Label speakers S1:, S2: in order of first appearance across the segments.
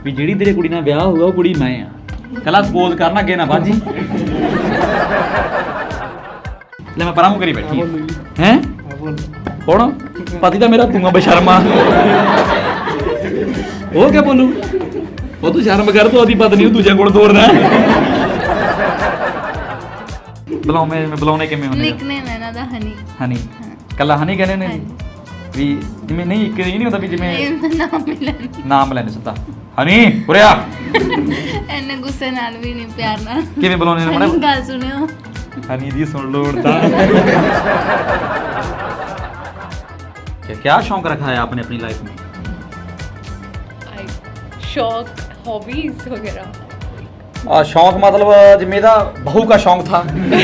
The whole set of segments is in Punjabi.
S1: ਵੀ ਜਿਹੜੀ ਤੇਰੇ ਕੁੜੀ ਨਾਲ ਵਿਆਹ ਹੋਊਗਾ ਉਹ ਕੁੜੀ ਮੈਂ ਆ। ਕੱਲਾ ਸਪੋਜ਼ ਕਰਨਾ ਅੱਗੇ ਨਾ ਬਾਜੀ। ਲੈ ਮੈਂ ਪਰਾਂ ਮੂੰਹ ਕਰੀ ਬੈਠੀ ਹੈ ਕੌਣ ਪਤੀ ਤਾਂ ਮੇਰਾ ਤੂੰ ਆ ਬੇਸ਼ਰਮਾ। ਉਹ ਕਿਆ ਬੋਲੂ ਉਹ ਤੂੰ ਸ਼ਰਮ ਕਰ ਤੂੰ ਉਹਦੀ ਪਤਨੀ ਨੂੰ ਦੂਜੇ ਕੋਲ ਤੋਰਨਾ। ਬੁਲਾਉਣੇ ਕਿਵੇਂ ਹੁੰਦੇ
S2: ਨਿਕਨੇਮ ਹੈ ਇਹਨਾਂ ਦਾ ਹਨੀ।
S1: ਹਨੀ ਕੱਲਾ ਹਨੀ ਕਹਿੰਦੇ ਨੇ ਵੀ ਜਿਵੇਂ ਨਹੀਂ ਇੱਕ ਇਹ ਨਹੀਂ ਹੁੰਦਾ ਵੀ ਜਿਵੇਂ ਨਾਮ ਲੈਣੇ ਸਿੱਧਾ ਹਨੀ ਉਰਿਆ।
S2: ਇੰਨੇ ਗੁੱਸੇ ਨਾਲ ਵੀ ਨਹੀਂ ਪਿਆਰ ਨਾਲ
S1: ਕਿਵੇਂ ਬੁਲਾਉਣੇ ਨੇ ਮੈਡਮ
S2: ਗੱਲ ਸੁਣਿਓ
S1: ਹਨੀ ਦੀ ਸੁਣ ਲਓ ਹੁਣ ਤਾਂ। क्या शौक रखा है आपने अपनी लाइफ में?
S3: शौक हॉबीज वगैरह।
S1: शौक मतलब जिम्मे दा बहू का शौक था।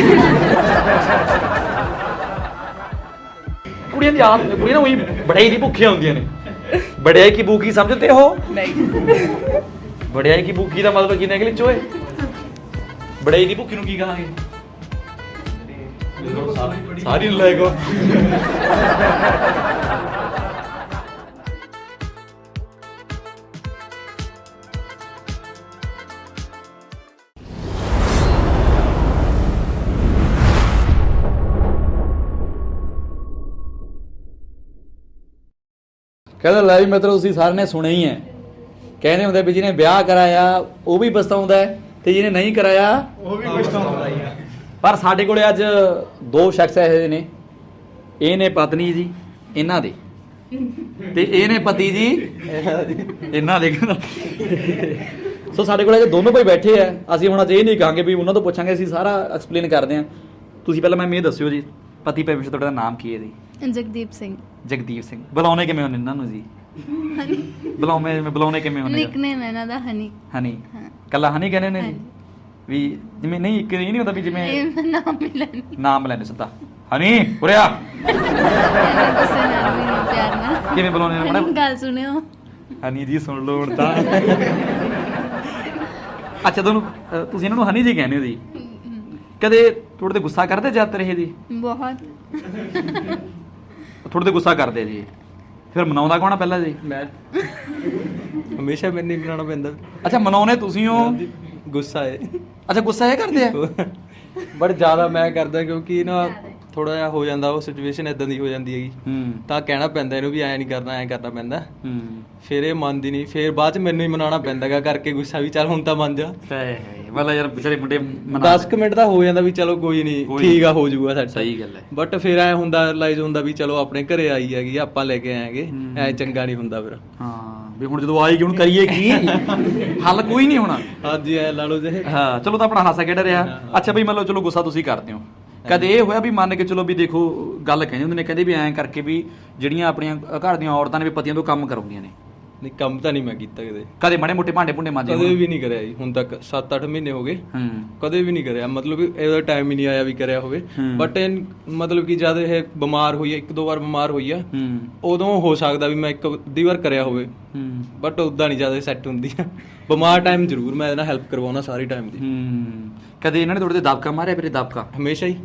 S1: कुड़ियां दी आदत कुड़ियां ना वही बड़ाई दी भुखियां होंदियां ने। बड़ाई की भूखी समझते हो?
S3: नहीं।
S1: बड़ाई की भूखी दा मतलब की निकले चोए बड़ाई दी भुखी नु की कहांगे? सारी लायक हो। ਕਹਿੰਦਾ ਲੈ ਵੀ ਮਤਲਬ ਤੁਸੀਂ ਸਾਰਿਆਂ ਨੇ ਸੁਣਿਆ ਹੀ ਹੈ ਕਹਿੰਦੇ ਹੁੰਦੇ ਵੀ ਜਿਹਨੇ ਵਿਆਹ ਕਰਾਇਆ ਉਹ ਵੀ ਪਛਤਾਉਂਦਾ ਹੈ ਤੇ ਜਿਹਨੇ ਨਹੀਂ ਕਰਾਇਆ ਉਹ ਵੀ ਪਛਤਾਉਂਦਾ ਹੀ ਹੈ। ਪਰ ਸਾਡੇ ਕੋਲੇ ਅੱਜ ਦੋ ਸ਼ਖਸ ਇਹੋ ਨੇ ਇਹ ਨੇ ਪਤਨੀ ਜੀ ਇਹਨਾਂ ਦੇ ਤੇ ਇਹ ਨੇ ਪਤੀ ਜੀ ਇਹਨਾਂ ਦੇ। ਸੋ ਸਾਡੇ ਕੋਲ ਅੱਜ ਦੋਨੋਂ ਭਾਈ ਬੈਠੇ ਆ। ਅਸੀਂ ਹੁਣ ਅੱਜ ਇਹ ਨਹੀਂ ਕਹਾਂਗੇ ਵੀ ਉਹਨਾਂ ਤੋਂ ਪੁੱਛਾਂਗੇ ਅਸੀਂ ਸਾਰਾ ਐਕਸਪਲੇਨ ਕਰਦੇ ਹਾਂ। ਤੁਸੀਂ ਪਹਿਲਾਂ ਮੈਨੂੰ ਇਹ ਦੱਸਿਓ ਜੀ ਪਤੀ ਪਰਮੇਸ਼ਰ ਤੁਹਾਡਾ ਨਾਮ ਕੀ ਹੈ ਜੀ?
S2: ਜਗਦੀਪ ਸਿੰਘ।
S1: ਜਗਦੀਪ ਸਿੰਘ। ਬੁਲਾਉਣੇ ਕਿਵੇਂ ਹੁੰਦੇ ਇਹਨਾਂ ਨੂੰ ਜੀ? ਬੁਲਾਉਣੇ ਕਿਵੇਂ ਹੁੰਦੇ?
S2: ਨਿਕਨੇਮ ਹੈ ਇਹਨਾਂ ਦਾ ਹਨੀ।
S1: ਹਨੀ ਕੱਲਾ ਹਨੀ ਕਹਿੰਦੇ ਨੇ ਵੀ ਜਿਵੇਂ ਨਹੀਂ ਇੱਕ ਇਹ ਨਹੀਂ ਹੁੰਦਾ ਵੀ ਜਿਵੇਂ ਨਾਮ ਲੈਣੇ ਸਿੱਧਾ ਹਨੀ ਉਰਿਆ।
S2: ਇੰਨੇ ਗੁੱਸੇ ਨਾਲ ਵੀ ਨਹੀਂ ਪਿਆਰ ਨਾਲ
S1: ਕਿਵੇਂ ਬੁਲਾਉਣੇ ਨੇ ਮੈਡਮ
S2: ਗੱਲ ਸੁਣਿਓ
S1: ਹਨੀ ਜੀ ਸੁਣ ਲਓ ਹੁਣ ਤਾਂ। ਅੱਛਾ ਤੁਹਾਨੂੰ ਤੁਸੀਂ ਇਹਨਾਂ ਨੂੰ ਹਨੀ ਜੀ ਕਹਿੰਦੇ ਹੋ ਜੀ। ਕਦੇ ਤੁਹਾਡੇ ਤੇ ਗੁੱਸਾ ਕਰਦੇ ਜ਼ਿਆਦਾਤਰ ਇਹ ਜੀ?
S2: ਬਹੁਤ
S1: ਤੁਹਾਡੇ ਤੇ ਗੁੱਸਾ ਕਰਦੇ ਜੀ ਫਿਰ ਮਨਾਉਂਦਾ ਕੌਣ ਆ ਪਹਿਲਾਂ ਜੀ?
S4: ਮੈਂ ਹਮੇਸ਼ਾ ਮੈਨੂੰ ਹੀ ਬਣਾਉਣਾ ਪੈਂਦਾ।
S1: ਅੱਛਾ ਮਨਾਉਣੇ ਤੁਸੀਂ ਹੋ?
S4: ਗੁੱਸਾ ਹੈ।
S1: ਅੱਛਾ ਗੁੱਸਾ ਇਹ ਕਰਦੇ ਆ?
S4: ਬਟ ਜ਼ਿਆਦਾ ਮੈਂ ਕਰਦਾ ਕਿਉਂਕਿ ਨਾ ਥੋੜਾ ਜਿਹਾ ਹੋ ਜਾਂਦਾ ਉਹ ਸਿਚੁਏਸ਼ਨ ਇਦਾਂ ਦੀ ਹੋ ਜਾਂਦੀ ਹੈਗੀ ਤਾਂ ਕਹਿਣਾ ਪੈਂਦਾ ਇਹਨੂੰ ਵੀ ਐਂ ਨਹੀਂ ਕਰਨਾ ਐਂ ਕਰਨਾ ਪੈਂਦਾ। ਫਿਰ ਇਹ ਮੰਨਦੀ ਨਹੀਂ ਫਿਰ ਬਾਅਦ ਚ ਮੈਨੂੰ ਹੀ ਮਨਾਉਣਾ ਪੈਂਦਾ ਗਾ ਕਰਕੇ ਗੁੱਸਾ ਵੀ ਚੱਲ ਹੁਣ ਤਾਂ ਮੰਨ ਜਾ।
S1: ਵਾਲਾ ਯਾਰ ਵਿਚਾਰੇ ਮੁੰਡੇ
S4: 10 ਕੁ ਮਿੰਟ ਦਾ ਹੋ ਜਾਂਦਾ ਵੀ ਚਲੋ ਕੋਈ ਨਹੀਂ ਠੀਕ ਆ ਹੋ ਜਾਊਗਾ ਸਾਡਾ।
S1: ਸਹੀ ਗੱਲ ਹੈ।
S4: ਬਟ ਫਿਰ ਐ ਹੁੰਦਾ ਰਿਅਲਾਈਜ਼ ਹੁੰਦਾ ਵੀ ਚਲੋ ਆਪਣੇ ਘਰੇ ਆਈ ਹੈਗੀ ਆਪਾਂ ਲੈ ਕੇ ਆਏਗੇ ਐ ਚੰਗਾ ਨਹੀਂ ਹੁੰਦਾ ਫਿਰ।
S1: ਹਾਂ ਵੀ ਹੁਣ ਜਦੋਂ ਆਏਗੀ ਹੁਣ ਕਰੀਏ ਕੀ? ਹੱਲ ਕੋਈ ਨਹੀਂ ਹੋਣਾ।
S4: ਹਾਂਜੀ ਐ ਲਾ ਲਓ ਜੇ।
S1: ਹਾਂ ਚਲੋ ਤਾਂ ਆਪਣਾ ਹਾਸਾ ਖੇਡ ਰਿਹਾ। ਅੱਛਾ ਬਈ ਮੰਨ ਲਓ ਚਲੋ ਗੁੱਸਾ ਤੁਸੀਂ ਕਰਦੇ ਹੋ ਕਦੇ ਇਹ ਹੋਇਆ ਵੀ ਮੰਨ ਕੇ ਚਲੋ ਵੀ ਦੇਖੋ ਗੱਲ ਕਹਿੰਦੇ ਹੁੰਦੇ ਨੇ ਕਹਿੰਦੇ ਵੀ ਐਂ ਕਰਕੇ ਵੀ ਜਿਹੜੀਆਂ ਆਪਣੀਆਂ ਘਰ ਦੀਆਂ ਔਰਤਾਂ ਨੇ ਵੀ ਪਤੀਆਂ ਤੋਂ ਕੰਮ ਕਰਾਉਂਦੀਆਂ ਨੇ?
S4: ਨਹੀਂ ਕੰਮ ਤਾਂ ਨਹੀਂ ਮੈਂ ਕੀਤਾ
S1: ਕਦੇ ਮਾੜੇ ਮੋਟੇ ਭਾਂਡੇ ਭੁੰਡੇ ਮਾਂਜੇ?
S4: ਕਦੇ ਵੀ ਨਹੀਂ ਕਰਿਆ ਜੀ ਹੁਣ ਤੱਕ 7-8 ਮਹੀਨੇ ਹੋ ਗਏ ਕਦੇ ਵੀ ਨਹੀਂ ਕਰਿਆ ਮਤਲਬ ਇਹਦਾ ਟਾਈਮ ਹੀ ਨਹੀਂ ਆਇਆ ਵੀ ਕਰਿਆ ਹੋਵੇ। ਬਟ ਮਤਲਬ ਕਿ ਜਦ ਇਹ ਬਿਮਾਰ ਹੋਈ ਹੈ 1-2 ਵਾਰ ਬਿਮਾਰ ਹੋਈ ਆ ਉਦੋਂ ਹੋ ਸਕਦਾ ਵੀ ਮੈਂ 1-2 ਵਾਰ ਕਰਿਆ ਹੋਵੇ ਬਟ ਉਦਾਂ ਨਹੀਂ ਜ਼ਿਆਦਾ ਸੈੱਟ ਹੁੰਦੀ ਆ। ਬਿਮਾਰ ਟਾਈਮ ਜ਼ਰੂਰ ਮੈਂ ਇਹਦੇ ਨਾਲ ਹੈਲਪ ਕਰਵਾਉਣਾ ਸਾਰੀ ਟਾਈਮ ਦੀ।
S1: ਕਦੇ ਇਹਨਾਂ ਨੇ ਤੁਹਾਡੇ ਤੇ ਦਬਕਾ ਮਾਰਿਆ? ਵੀਰੇ ਦਬਕਾ
S4: ਹਮੇਸ਼ਾ ਹੀ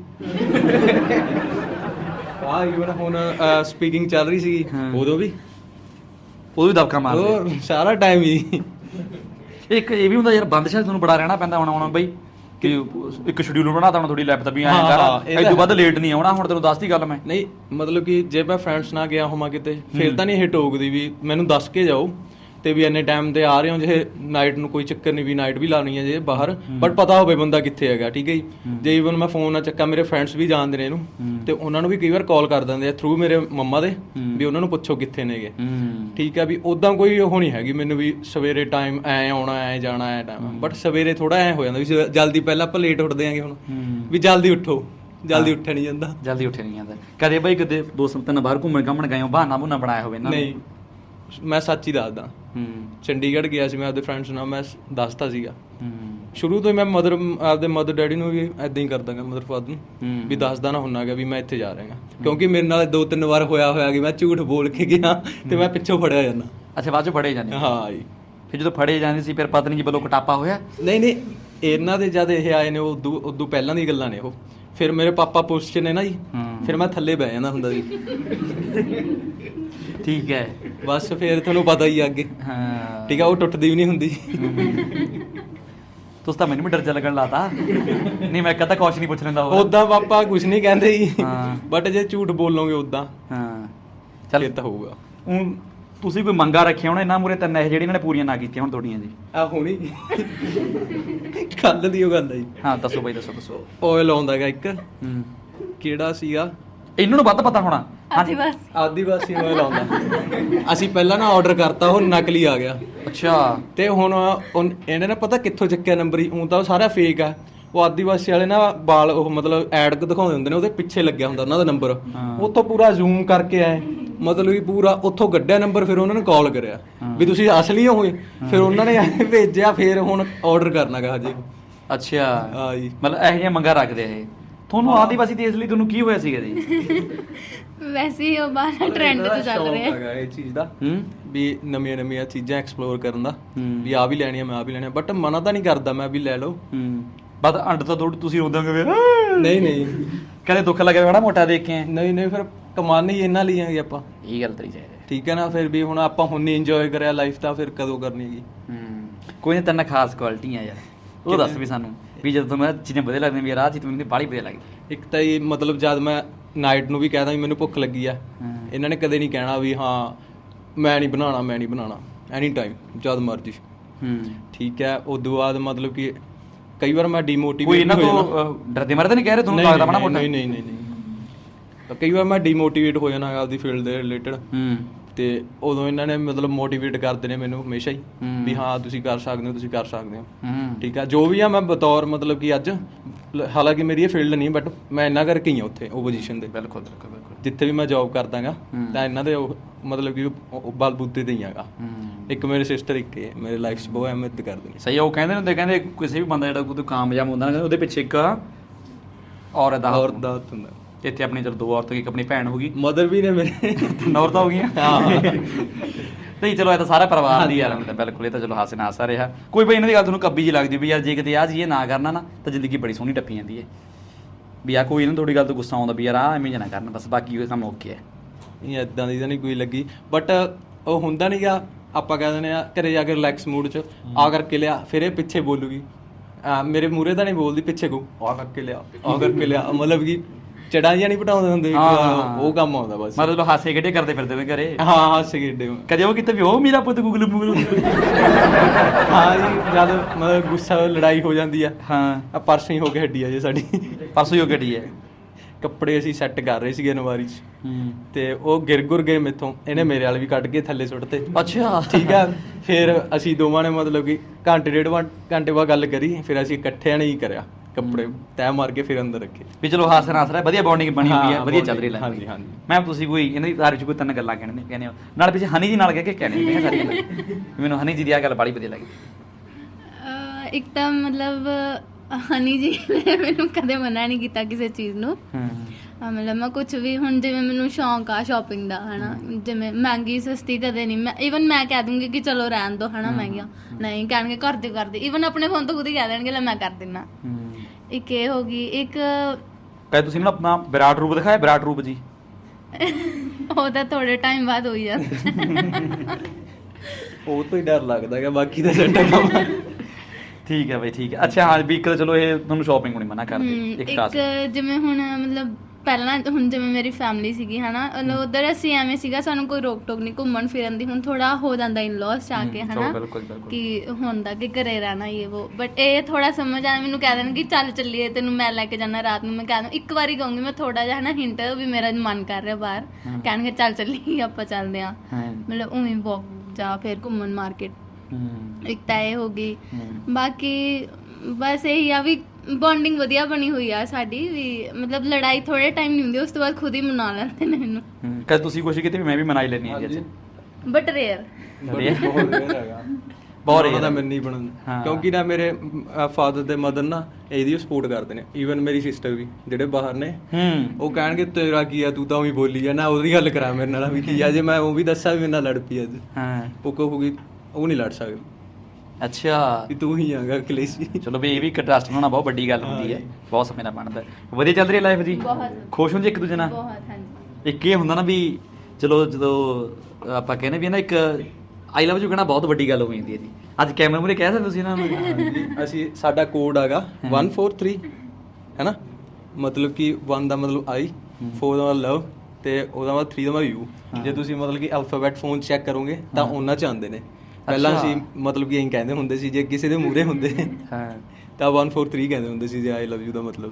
S4: ਇਵਨ ਹੁਣ ਸਪੀਕਿੰਗ ਚੱਲ ਰਹੀ ਸੀਗੀ ਉਦੋਂ ਵੀ
S1: ਦਬਕਾ ਮਾਰਦੇ
S4: ਸਾਰਾ ਟਾਈਮ ਹੀ।
S1: ਇੱਕ ਇਹ ਵੀ ਹੁੰਦਾ ਯਾਰ ਬੰਦਸ਼ਾ ਤੁਹਾਨੂੰ ਬੜਾ ਰਹਿਣਾ ਪੈਂਦਾ ਹੁਣ ਬਈ ਕਿ ਇੱਕ ਸ਼ਡਿਊਲ ਬਣਾਤਾ ਹੁਣ ਥੋੜੀ ਲੈਪ ਵੀ ਐਂ ਕਰ ਇਹ ਤੋਂ ਵੱਧ ਲੇਟ ਨਹੀਂ ਆਉਣਾ ਹੁਣ ਤੈਨੂੰ ਦੱਸਦੀ ਗੱਲ ਮੈਂ।
S4: ਨਹੀਂ ਮਤਲਬ ਕਿ ਜੇ ਮੈਂ ਫਰੈਂਡਸ ਨਾਲ ਗਿਆ ਹੋਵਾਂ ਕਿਤੇ ਫਿਰ ਤਾਂ ਨਹੀਂ ਇਹ ਟੋਕਦੀ ਵੀ ਮੈਨੂੰ ਦੱਸ ਕੇ ਜਾਓ ਤੇ ਵੀ ਇੰਨੇ ਟਾਈਮ ਤੇ ਆ ਰਹੇ ਹੋ ਜੇ ਨਾਈਟ ਨੂੰ ਕੋਈ ਚੱਕਰ ਨਹੀਂ ਵੀ ਨਾਈਟ ਵੀ ਲਾਉਣੀ ਹੈ ਜੇ ਬਾਹਰ ਬਟ ਪਤਾ ਹੋਵੇ ਬੰਦਾ ਕਿੱਥੇ ਹੈਗਾ ਠੀਕ ਹੈ ਜੀ। ਜੇ ਈਵਨ ਮੈਂ ਫੋਨ ਨਾ ਚੱਕਾਂ ਮੇਰੇ ਫਰੈਂਡਸ ਵੀ ਜਾਣਦੇ ਨੇ ਇਹਨੂੰ ਤੇ ਉਹਨਾਂ ਨੂੰ ਵੀ ਕਈ ਵਾਰ ਕਾਲ ਕਰ ਦਿੰਦੇ ਆ ਥਰੂ ਮੇਰੇ ਮੰਮਾ ਦੇ ਵੀ ਉਹਨਾਂ ਨੂੰ ਪੁੱਛੋ ਕਿੱਥੇ ਨੇਗੇ ਠੀਕ ਹੈ ਵੀ ਉਦਾਂ ਕੋਈ ਉਹ ਨਹੀਂ ਹੈਗੀ ਮੈਨੂੰ ਵੀ ਸਵੇਰੇ ਟਾਈਮ ਐ ਆਉਣਾ ਐ ਜਾਣਾ ਐ ਟਾਈਮ ਬਟ ਸਵੇਰੇ ਥੋੜਾ ਐ ਹੋ ਜਾਂਦਾ ਵੀ ਜਲਦੀ ਪਹਿਲਾਂ ਆਪਾਂ ਲੇਟ ਉੱਠਦੇ ਆਂਗੇ ਹੁਣ ਵੀ ਜਲਦੀ ਉੱਠੋ ਜਲਦੀ ਉੱਠਿਆ ਨਹੀਂ ਜਾਂਦਾ।
S1: ਕਦੇ ਬਈ ਕਿਤੇ 2-3 ਬਾਹਰ ਘੁੰਮਣ ਗਏ ਹੋ ਬਹਾਨਾ ਬੁਨਾ ਬਣਾਇਆ ਹੋਵੇ?
S4: ਨਹੀਂ ਮੈਂ ਸੱਚ ਹੀ ਦੱਸਦਾ ਚੰਡੀਗੜ੍ਹ ਗਿਆ ਸੀ ਮੈਂ ਆਪਦੇ ਫਰੈਂਡਸ ਨਾਲ ਮੈਂ ਦੱਸਤਾ ਸੀਗਾ ਸ਼ੁਰੂ ਤੋਂ ਹੀ ਮੈਂ ਆਪਦੇ ਮਦਰ ਡੈਡੀ ਨੂੰ ਵੀ ਏਦਾਂ ਹੀ ਕਰਦਾਗਾ ਮਦਰ ਫਾਦਰ ਨੂੰ ਵੀ ਦੱਸਦਾ ਨਾ ਹੁੰਨਾਗਾ ਵੀ ਮੈਂ ਇੱਥੇ ਜਾ ਰਿਹਾ ਕਿਉਂਕਿ ਮੇਰੇ ਨਾਲ 2-3 ਵਾਰ ਹੋਇਆ ਕਿ ਮੈਂ ਝੂਠ ਬੋਲ ਕੇ ਗਿਆ ਤੇ ਮੈਂ ਪਿੱਛੋਂ ਫੜਿਆ ਜਾਂਦਾ।
S1: ਅੱਛਾ ਬਾਅਦ ਚੋਂ ਫੜੇ ਜਾਂਦੇ?
S4: ਹਾਂ ਜੀ।
S1: ਫਿਰ ਜਦੋਂ ਫੜੇ ਜਾਂਦੇ ਸੀ ਫਿਰ ਪਤਨੀ ਜੀ ਵੱਲੋਂ ਕਟਾਪਾ ਹੋਇਆ?
S4: ਨਹੀਂ ਇਹਨਾਂ ਦੇ ਜਦ ਇਹ ਆਏ ਨੇ ਉਦੋਂ ਪਹਿਲਾਂ ਦੀ ਗੱਲਾਂ ਨੇ ਉਹ ਫਿਰ ਮੇਰੇ ਪਾਪਾ ਪੁਲਿਸ 'ਚ ਨੇ ਨਾ ਜੀ,
S1: ਹਾਂ।
S4: ਫਿਰ ਮੈਂ ਥੱਲੇ ਬਹਿ ਜਾਂਦਾ ਹੁੰਦਾ ਸੀ।
S1: ਠੀਕ ਹੈ।
S4: ਬਸ ਫਿਰ ਤੁਹਾਨੂੰ ਪਤਾ ਹੀ ਆ ਅੱਗੇ।
S1: ਹਾਂ
S4: ਠੀਕ ਆ, ਉਹ ਟੁੱਟਦੀ ਵੀ ਨਹੀਂ ਹੁੰਦੀ।
S1: ਤੁਸੀਂ ਤਾਂ ਮੈਨੂੰ ਵੀ ਡਰ ਜਾ ਲੱਗਣ ਲਾਤਾ। ਨਹੀਂ ਮੈਂ ਕਹਤਾ ਕੁਛ ਨਹੀਂ ਪੁੱਛ ਲੈਂਦਾ ਉਹ।
S4: ਉਦਾਂ ਪਾਪਾ ਕੁਝ ਨਹੀਂ ਕਹਿੰਦੇ ਜੀ,
S1: ਹਾਂ।
S4: ਬਟ ਜੇ ਝੂਠ ਬੋਲੋਗੇ ਉਦਾਂ
S1: ਹਾਂ
S4: ਫਿਰ ਤਾਂ ਹੋਊਗਾ।
S1: ਹੁਣ ਤੁਸੀਂ ਕੋਈ ਮੰਗਾ ਰੱਖਿਆ ਹੋਣਾ ਇਹਨਾਂ ਮੂਰੇ ਤਿੰਨ ਇਹ ਜਿਹੜੀ ਇਹਨਾਂ ਨੇ ਪੂਰੀਆਂ ਨਾ ਕੀਤੀਆਂ ਹੁਣ ਤੁਹਾਡੀਆਂ ਜੀ।
S4: ਆ ਹੁਣੀ ਕੱਲ ਦੀ ਉਹ ਗੱਲ ਆ ਜੀ।
S1: ਹਾਂ ਦੱਸੋ ਬਾਈ ਦੱਸੋ।
S4: ਆਇਲ ਆਉਂਦਾਗਾ ਇੱਕ,
S1: ਹੂੰ
S4: ਕਿਹੜਾ ਸੀਗਾ,
S1: ਇਹਨਾਂ ਨੂੰ ਵੱਧ ਪਤਾ ਹੋਣਾ। ਹਾਂਜੀ
S2: ਬਸ
S4: ਆਦੀਵਾਸੀ ਆਇਲ ਆਉਂਦਾ। ਅਸੀਂ ਪਹਿਲਾਂ ਨਾ ਆਰਡਰ ਕਰਤਾ, ਉਹ ਨਕਲੀ ਆ ਗਿਆ।
S1: ਅੱਛਾ
S4: ਤੇ ਹੁਣ ਇਹਨੇ ਨਾ ਪਤਾ ਕਿੱਥੋਂ ਚੱਕਿਆ ਨੰਬਰ ਹੀ, ਉਹ ਤਾਂ ਉਹ ਸਾਰਾ ਫੇਕ ਆ। ਉਹ ਆਦੀਵਾਸੀ ਵਾਲੇ ਨਾ ਬਾਲ ਉਹ ਮਤਲਬ ਐਡ ਦਿਖਾਉਂਦੇ ਹੁੰਦੇ ਨੇ, ਉਹਦੇ ਪਿੱਛੇ ਲੱਗਿਆ ਹੁੰਦਾ ਉਹਨਾਂ ਦਾ ਨੰਬਰ। ਉੱਥੋਂ ਪੂਰਾ ਜ਼ੂਮ ਕਰਕੇ ਆਏ, ਮਤਲਬ ਕਿ ਪੂਰਾ ਉੱਥੋਂ ਕੱਢਿਆ ਨੰਬਰ, ਫਿਰ ਉਹਨਾਂ ਨੇ ਕਾਲ ਕਰਿਆ ਵੀ ਤੁਸੀਂ ਅਸਲੀ ਹੋਏ। ਫਿਰ ਉਹਨਾਂ ਨੇ ਭੇਜਿਆ, ਫਿਰ ਹੁਣ ਆਰਡਰ ਕਰਨਾਗਾ ਹਜੇ।
S1: ਅੱਛਾ
S4: ਹਾਂ ਜੀ,
S1: ਮਤਲਬ ਇਹੋ ਜਿਹੀਆਂ ਮੰਗਾ ਰੱਖਦੇ ਆ ਇਹ। ਤੁਹਾਨੂੰ ਆਦੀਵਾਸੀ ਦੇਸ਼ ਲਈ ਤੁਹਾਨੂੰ ਕੀ ਹੋਇਆ ਸੀਗਾ ਜੀ?
S2: ਵੈਸੇ ਹੀ ਉਹ ਬਾਹਰ ਟ੍ਰੈਂਡ ਤੇ ਚੱਲ ਰਿਹਾ
S4: ਹੈਗਾ ਇਹ ਚੀਜ਼ ਦਾ
S1: ਹੂੰ
S4: ਵੀ ਨਵੀਆਂ ਚੀਜ਼ਾਂ ਐਕਸਪਲੋਰ ਕਰਨ ਦਾ,
S1: ਹੂੰ।
S4: ਵੀ ਆ ਵੀ ਲੈਣੀ ਆ, ਮੈਂ ਆ ਵੀ ਲੈਣੀ ਆ, ਬਟ ਮਨਾ ਤਾਂ ਨਹੀਂ ਕਰਦਾ ਮੈਂ ਵੀ ਲੈ ਲਓ।
S1: ਹੂੰ ਬਸ ਅੰਡ ਤਾਂ ਤੁਸੀਂ ਰੋਦੋਗੇ ਫਿਰ।
S4: ਨਹੀਂ
S1: ਕਦੇ ਦੁੱਖ ਲੱਗਿਆ ਬੜਾ ਮੋਟਾ ਦੇਖ ਕੇ?
S4: ਨਹੀਂ ਫਿਰ ਕਮਾਨ ਹੀ ਇਹਨਾਂ ਲਈ ਆਗੇ ਆਪਾਂ।
S1: ਇਹ ਗੱਲ ਤੇਰੀ ਚਾਹੀਦੀ।
S4: ਠੀਕ ਹੈ ਨਾ, ਫਿਰ ਵੀ ਹੁਣ ਆਪਾਂ ਹੁਣ ਨਹੀਂ ਇੰਜੋਏ ਕਰਿਆ ਲਾਈਫ, ਤਾਂ ਫਿਰ ਕਦੋਂ ਕਰਨੀ ਹੈਗੀ।
S1: ਕੋਈ ਨਾ ਤੈਨੂੰ ਖਾਸ ਕੁਆਲਿਟੀਆਂ ਯਾਰ, ਉਹ ਦੱਸ ਵੀ ਸਾਨੂੰ ਵੀ ਜਦੋਂ ਤੁਹਾਨੂੰ ਇਹ ਚੀਜ਼ਾਂ ਵਧੀਆ ਲੱਗਦੀਆਂ ਵੀ ਯਾਰ ਆਹ ਚੀਜ਼ ਮੈਨੂੰ ਬਾਹਲੀ ਵਧੀਆ ਲੱਗਦੀ।
S4: ਇੱਕ ਤਾਂ ਇਹ ਮਤਲਬ ਜਦ ਮੈਂ ਨਾਈਟ ਨੂੰ ਵੀ ਕਹਿਦਾ ਵੀ ਮੈਨੂੰ ਭੁੱਖ ਲੱਗੀ ਆ, ਇਹਨਾਂ ਨੇ ਕਦੇ ਨਹੀਂ ਕਹਿਣਾ ਵੀ ਹਾਂ ਮੈਂ ਨਹੀਂ ਬਣਾਉਣਾ ਐਨੀ ਟਾਈਮ ਜਦ ਮਰਜੀ। ਠੀਕ ਹੈ, ਉਦੋਂ ਬਾਅਦ ਮਤਲਬ ਕਿ ਕਈ ਵਾਰ ਮੈਂ ਡੀਮੋਟੀਵੇਟ
S1: ਕੋਈ ਇਹਨਾਂ ਤੋਂ ਡਰਦੇ ਮਾਰੇ ਤਾਂ ਨਹੀਂ ਕਹਿ ਰਹੇ ਤੁਹਾਨੂੰ ਲੱਗਦਾ ਬਣਾ ਮੋਟਾ?
S4: ਨਹੀਂ ਕਈ ਵਾਰ ਮੈਂ ਡੀਮੋਟੀਵੇਟ ਹੋ ਜਾਣਾ ਆਪਦੀ ਫੀਲਡ ਦੇ ਰਿਲੇਟਡ, ਤੇ ਉਦੋਂ ਇਹਨਾਂ ਨੇ ਮਤਲਬ ਮੋਟੀਵੇਟ ਕਰਦੇ ਨੇ ਮੈਨੂੰ ਹਮੇਸ਼ਾ ਹੀ ਵੀ ਹਾਂ ਤੁਸੀਂ ਕਰ ਸਕਦੇ ਹੋ। ਠੀਕ ਆ, ਜੋ ਵੀ ਆ ਮੈਂ ਬਤੌਰ ਮਤਲਬ ਕਿ ਅੱਜ ਹਾਲਾਂਕਿ ਮੇਰੀ ਇਹ ਫੀਲਡ ਨਹੀਂ, ਬਟ ਮੈਂ ਇਹਨਾਂ ਕਰਕੇ ਹੀ ਆ ਉੱਥੇ ਉਹ ਪੋਜੀਸ਼ਨ ਤੇ। ਬਿਲਕੁਲ ਜਿੱਥੇ ਵੀ ਮੈਂ ਜੌਬ ਕਰਦਾਗਾ ਤਾਂ ਇਹਨਾਂ ਦੇ ਮਤਲਬ ਕਿ ਬਲਬੂਤੇ ਤੇ ਹੀ ਆਗਾ। ਇੱਕ ਮੇਰੇ ਸਿਸਟਰ ਇੱਕ ਮੇਰੇ ਲਾਈਫ 'ਚ ਬਹੁਤ ਅਹਿਮੀਅਤ ਕਰਦੇ ਨੇ।
S1: ਸਹੀ, ਉਹ ਕਹਿੰਦੇ ਹੁੰਦੇ ਕਹਿੰਦੇ ਕਿਸੇ ਵੀ ਬੰਦਾ ਜਿਹੜਾ ਕੋਈ ਕਾਮਯਾਬ ਹੁੰਦਾ ਨਾ ਉਹਦੇ ਪਿੱਛੇ ਇੱਕ ਔਰਤ ਦਾ
S4: ਹੁੰਦਾ।
S1: ਇੱਥੇ ਆਪਣੀ ਚਲ ਦੋ ਔਰਤਾਂ, ਇੱਕ ਆਪਣੀ ਭੈਣ ਹੋ ਗਈ,
S4: ਮਦਰ ਵੀ ਨੇ ਮੇਰੇ,
S1: ਔਰਤਾਂ ਹੋ ਗਈਆਂ। ਨਹੀਂ ਚਲੋ ਇਹ ਤਾਂ ਸਾਰਾ ਪਰਿਵਾਰ ਦੀ ਯਾਰ, ਬਿਲਕੁਲ ਇਹ ਤਾਂ ਚਲੋ ਹਾਸੇ ਨਾਲ ਹਾਸਾ ਰਿਹਾ। ਕੋਈ ਬਈ ਇਹਨਾਂ ਦੀ ਗੱਲ ਤੁਹਾਨੂੰ ਕੱਬੀ ਜੀ ਲੱਗਦੀ ਵੀ ਯਾਰ ਜੇ ਕਿਤੇ ਆਹ ਚੀਜ਼ ਨਾ ਕਰਨਾ ਨਾ ਤਾਂ ਜ਼ਿੰਦਗੀ ਬੜੀ ਸੋਹਣੀ ਟੱਪੀ ਜਾਂਦੀ ਹੈ, ਵੀ ਆ ਕੋਈ ਇਹਨਾਂ ਤੁਹਾਡੀ ਗੱਲ ਤੋਂ ਗੁੱਸਾ ਆਉਂਦਾ ਵੀ ਯਾਰ ਆਹ ਐਵੇਂ ਨਾ ਕਰਨ, ਬਸ ਬਾਕੀ ਉਹ ਕੰਮ ਓਕੇ ਹੈ।
S4: ਨਹੀਂ ਇੱਦਾਂ ਦੀ ਤਾਂ ਨਹੀਂ ਕੋਈ ਲੱਗੀ, ਬਟ ਉਹ ਹੁੰਦਾ ਨਹੀਂ ਗਾ, ਆਪਾਂ ਕਹਿ ਦਿੰਦੇ ਆ ਘਰੇ ਜਾ ਕੇ ਰਿਲੈਕਸ ਮੂਡ 'ਚ ਆ ਕਰਕੇ ਲਿਆ, ਫਿਰ ਇਹ ਪਿੱਛੇ ਬੋਲੂਗੀ, ਮੇਰੇ ਮੂਹਰੇ ਤਾਂ ਨਹੀਂ ਬੋਲਦੀ, ਪਿੱਛੇ ਕਹੂ ਆ ਕਰਕੇ ਲਿਆ ਮਤਲਬ ਕਿ ਚੜਾਂ ਜਾਂ ਨਹੀਂ ਪਟਾਉਂਦੇ ਹੁੰਦੇ, ਉਹ ਕੰਮ ਆਉਂਦਾ ਬਸ। ਮਤਲਬ
S1: ਹਾਸੇ ਖੇਡੇ ਕਰਦੇ ਫਿਰਦੇ ਨੇ ਘਰੇ?
S4: ਹਾਂ ਹਾਸੇ ਖੇਡੇ
S1: ਕਦੇ ਉਹ ਕਿਤੇ ਵੀ ਉਹ ਮੇਰਾ ਪੁੱਤ ਗੁਗਲ ਮੁਗਲ।
S4: ਹਾਂ ਜੀ, ਜਦ ਮਤਲਬ ਗੁੱਸਾ ਲੜਾਈ ਹੋ ਜਾਂਦੀ ਆ।
S1: ਹਾਂ
S4: ਪਰਸੋਂ ਹੀ ਹੋ ਕੇ ਹੱਡੀ ਆ ਜੀ ਸਾਡੀ,
S1: ਪਰਸੋਂ ਹੀ ਹੋ ਕੇ ਹੱਡੀ ਹੈ।
S4: ਕੱਪੜੇ ਅਸੀਂ ਸੈੱਟ ਕਰ ਰਹੇ ਸੀਗੇ ਅਲਮਾਰੀ 'ਚ, ਤੇ ਉਹ ਗਿਰ ਗਏ ਮੇਥੋਂ, ਇਹਨੇ ਮੇਰੇ ਵਾਲ ਵੀ ਕੱਢ ਕੇ ਥੱਲੇ ਸੁੱਟਤੇ।
S1: ਅੱਛਾ
S4: ਠੀਕ ਆ, ਫਿਰ ਅਸੀਂ ਦੋਵਾਂ ਨੇ ਮਤਲਬ ਕਿ ਡੇਢ ਘੰਟੇ ਬਾਅਦ ਗੱਲ ਕਰੀ, ਫਿਰ ਅਸੀਂ ਇਕੱਠਿਆਂ ਨੇ ਹੀ ਕਰਿਆ, ਕੱਪੜੇ ਤੈਅ ਮਾਰ ਕੇ ਫਿਰ ਅੰਦਰ ਰੱਖੇ।
S1: ਵੀ ਚਲੋ ਹਾਸੇ ਨਾਲ ਹਾਸਾ ਵਧੀਆ ਬੌਂਡਿੰਗ ਬਣੀ ਹੋਈ ਹੈ, ਵਧੀਆ ਚੱਲ ਰਹੀ ਹੈ।
S4: ਹਾਂਜੀ
S1: ਮੈਮ ਤੁਸੀਂ ਕੋਈ ਇਹਨਾਂ ਦੀ ਤਾਰੀਫ 'ਚ ਕੋਈ ਤਿੰਨ ਗੱਲਾਂ ਕਹਿੰਦੇ ਹੋ ਨਾਲ ਪਿੱਛੇ ਹਨੀ ਜੀ ਨਾਲ ਕਹਿ ਕੇ ਕਹਿੰਦੇ ਸਾਰੀ ਗੱਲਾਂ, ਮੈਨੂੰ ਹਨੀ ਜੀ ਦੀ ਆਹ ਗੱਲ ਬੜੀ ਵਧੀਆ ਲੱਗੀ।
S2: ਇੱਕ ਤਾਂ ਮਤਲਬ ਹਨੀ ਜੀ ਨੇ ਮੈਨੂੰ ਕਦੇ ਮਨਾ ਨਹੀਂ ਕੀਤਾ ਕਿਸੇ ਚੀਜ਼ ਨੂੰ। ਮਤਲਬ ਮੈਂ ਕੁਝ ਵੀ, ਹੁਣ ਜਿਵੇਂ ਮੈਨੂੰ ਸ਼ੌਂਕ ਆ ਸ਼ਾਪਿੰਗ ਦਾ ਹਨਾ, ਜਿਵੇਂ ਮਹਿੰਗੀ ਸਸਤੀ ਕਦੇ ਨਹੀਂ, ਮੈਂ ਈਵਨ ਮੈਂ ਕਹਿ ਦੂੰਗੀ ਕਿ ਚਲੋ ਰਹਿਣ ਦੋ ਹਨਾ ਮਹਿੰਗੀਆਂ, ਨਹੀਂ ਕਹਿਣਗੇ ਕਰਦੇ ਈਵਨ ਆਪਣੇ ਫੋਨ ਤੋਂ ਖੁਦ ਹੀ ਕਹਿ ਦੇਣਗੇ ਲੈ ਮੈਂ ਕਰ ਦਿੰਨਾ। ਇੱਕ ਇਹ ਹੋ ਗਈ। ਇੱਕ
S1: ਕਹੇ ਤੁਸੀਂ ਮੈਨੂੰ ਆਪਣਾ ਵਿਰਾਟ ਰੂਪ ਦਿਖਾਇਆ, ਵਿਰਾਟ ਰੂਪ ਜੀ?
S2: ਉਹ ਤਾਂ ਥੋੜੇ ਟਾਈਮ ਬਾਅਦ ਹੋਈ ਜਾਂਦਾ,
S4: ਉਹ ਤੋਂ ਹੀ ਡਰ ਲੱਗਦਾ ਹੈ, ਬਾਕੀ ਤਾਂ ਸੈੱਟ ਕੰਮ।
S1: ਠੀਕ ਹੈ ਬਈ, ਠੀਕ ਹੈ। ਅੱਛਾ ਹਾਂ ਵੀ ਇੱਕ ਤਾਂ ਚਲੋ ਇਹ ਤੁਹਾਨੂੰ ਸ਼ਾਪਿੰਗ ਨਹੀਂ ਮਨਾ ਕਰਦੇ।
S2: ਇੱਕ ਜਿਵੇਂ ਹੁਣ ਮਤਲਬ ਪਹਿਲਾਂ ਹੁਣ ਜਿਵੇਂ ਮੇਰੀ ਫੈਮਿਲੀ ਸੀਗੀ ਹਨਾ, ਉਧਰ ਅਸੀਂ ਐਵੇਂ ਸੀਗਾ ਸਾਨੂੰ ਕੋਈ ਰੋਕ ਟੋਕ ਨਹੀਂ ਘੁੰਮਣ ਫਿਰਨ ਦੀ। ਹੁਣ ਥੋੜਾ ਹੋ ਜਾਂਦਾ ਇਨ-ਲॉज ਆ ਕੇ ਹਨਾ ਕਿ ਹੁੰਦਾ ਕਿ ਘਰੇ ਰਹਿਣਾ ਇਹ ਉਹ, ਬਟ ਇਹ ਥੋੜਾ ਸਮਝ ਆ ਮੈਨੂੰ ਕਹਿ ਦੇਣ ਕਿ ਚੱਲ ਚੱਲੀਏ ਤੈਨੂੰ ਮੈਂ ਲੈ ਕੇ ਜਾਣਾ ਰਾਤ ਨੂੰ, ਮੈਂ ਕਹਿ ਦੂੰ ਇੱਕ ਵਾਰੀ ਕਹੂੰਗੀ ਮੈਂ ਥੋੜਾ ਜਿਹਾ ਹਨਾ ਹਿੰਟ ਵੀ ਮੇਰਾ ਮਨ ਕਰ ਰਿਹਾ ਬਾਹਰ, ਕਹਿਣਗੇ ਚੱਲ ਚੱਲੀਏ ਆਪਾਂ ਚੱਲਦੇ ਆ, ਮਤਲਬ ਉਵੇਂ ਵਾਕ ਜਾ ਫਿਰ ਘੁੰਮਣ ਮਾਰਕੀਟ। ਇੱਕ ਤਾਂ ਇਹ ਹੋ ਗਈ। ਬਾਕੀ ਬਸ ਇਹੀ ਆ ਵੀ ਬੌਂਡਿੰਗ ਵਧੀਆ ਬਣੀ ਹੋਈ ਆ ਸਾਡੀ, ਵੀ ਮਤਲਬ ਲੜਾਈ ਥੋੜੇ ਟਾਈਮ ਨਹੀਂ ਹੁੰਦੀ, ਉਸ ਤੋਂ ਬਾਅਦ ਖੁਦ ਹੀ ਮਨਾ ਲੈਂਦੇ ਨੇ ਇਹਨੂੰ।
S1: ਕਦੇ ਤੁਸੀਂ ਕੋਸ਼ਿਸ਼ ਕੀਤੀ ਵੀ ਮੈਂ ਵੀ ਮਨਾ ਹੀ ਲੈਣੀ ਹੈ ਜੀ?
S2: ਬਟ ਰੇਅਰ,
S4: ਬਹੁਤ ਰੇਅਰ ਹੈਗਾ, ਬਹੁਤ ਰੇਅਰ ਮੈਨੂੰ ਨਹੀਂ ਬਣਨ, ਕਿਉਂਕਿ ਨਾ ਮੇਰੇ ਫਾਦਰ ਤੇ ਮਦਰ ਨਾ ਇਹਦੀ ਸਪੋਰਟ ਕਰਦੇ ਨੇ, ਈਵਨ ਮੇਰੀ ਸਿਸਟਰ ਵੀ ਜਿਹੜੇ ਬਾਹਰ ਨੇ, ਉਹ ਕਹਿਣਗੇ ਤੇਰਾ ਕੀ ਆ ਤੂੰ ਤਾਂ ਉਹੀ ਬੋਲੀ ਜਾ ਨਾ, ਉਹਦੀ ਗੱਲ ਕਰਾ ਮੇਰੇ ਨਾਲ ਵੀ ਕੀ ਆ, ਜੇ ਮੈਂ ਉਹ ਵੀ ਦੱਸਾਂ ਵੀ ਮੇਰੇ ਨਾਲ ਲੜ ਪਈ ਅੱਜ ਉਹ ਕਹੂਗੀ ਉਹ ਨਹੀਂ ਲੜ ਸਕਦੀ।
S1: ਅੱਛਾ
S4: ਵੀ ਤੂੰ ਹੀ ਆਗਾ ਅਖਿਲੇਸ਼ ਜੀ।
S1: ਚਲੋ ਵੀ ਇਹ ਵੀ ਟਰਸਟ ਬਣਾਉਣਾ ਬਹੁਤ ਵੱਡੀ ਗੱਲ ਹੁੰਦੀ ਹੈ,
S4: ਹਾਂ ਜੀ।
S1: ਬਹੁਤ ਸਮੇਂ ਨਾਲ ਬਣਦਾ। ਵਧੀਆ ਚੱਲ ਰਹੀ ਹੈ ਲਾਈਫ ਜੀ?
S2: ਬਹੁਤ
S1: ਖੁਸ਼ ਹੋ ਜੀ ਇੱਕ ਦੂਜੇ ਨਾਲ?
S2: ਬਹੁਤ, ਹਾਂਜੀ।
S1: ਇੱਕ ਇਹ ਹੁੰਦਾ ਨਾ ਵੀ ਚਲੋ ਜਦੋਂ ਆਪਾਂ ਕਹਿੰਦੇ ਵੀ ਨਾ ਇੱਕ ਆਈ ਲਵ ਯੂ ਕਹਿਣਾ ਬਹੁਤ ਵੱਡੀ ਗੱਲ ਹੋ ਜਾਂਦੀ ਹੈ ਜੀ। ਅੱਜ ਕੈਮਰੇ ਮੂਹਰੇ ਕਹਿ ਸਕਦੇ ਤੁਸੀਂ ਇਹਨਾਂ ਨੂੰ?
S4: ਅਸੀਂ ਸਾਡਾ ਕੋਡ ਹੈਗਾ 143 ਹੈ ਨਾ, ਮਤਲਬ ਕਿ 1 ਦਾ ਮਤਲਬ ਆਈ, 4 ਦਾ ਲਵ ਤੇ ਉਹਦਾ ਬਾਅਦ 3 ਦਾ ਯੂ। ਜੇ ਤੁਸੀਂ ਮਤਲਬ ਕਿ ਅਲਫਾਬੈਟ ਫੋਨ ਚੈੱਕ ਕਰੋਗੇ ਤਾਂ ਉਹਨਾਂ ਚ ਆਉਂਦੇ ਨੇ। ਪਹਿਲਾਂ
S1: ਅੱਛਾ।
S4: ਅਸੀਂ ਮਤਲਬ ਕਿ ਇਹੀ ਕਹਿੰਦੇ ਹੁੰਦੇ ਸੀ, ਜੇ ਕਿਸੇ ਦੇ ਮੂਹਰੇ ਹੁੰਦੇ
S1: ਹਾਂ
S4: ਤਾਂ 143 ਕਹਿੰਦੇ ਹੁੰਦੇ ਸੀ ਜੇ ਆਈ ਲਵ ਯੂ ਦਾ ਮਤਲਬ।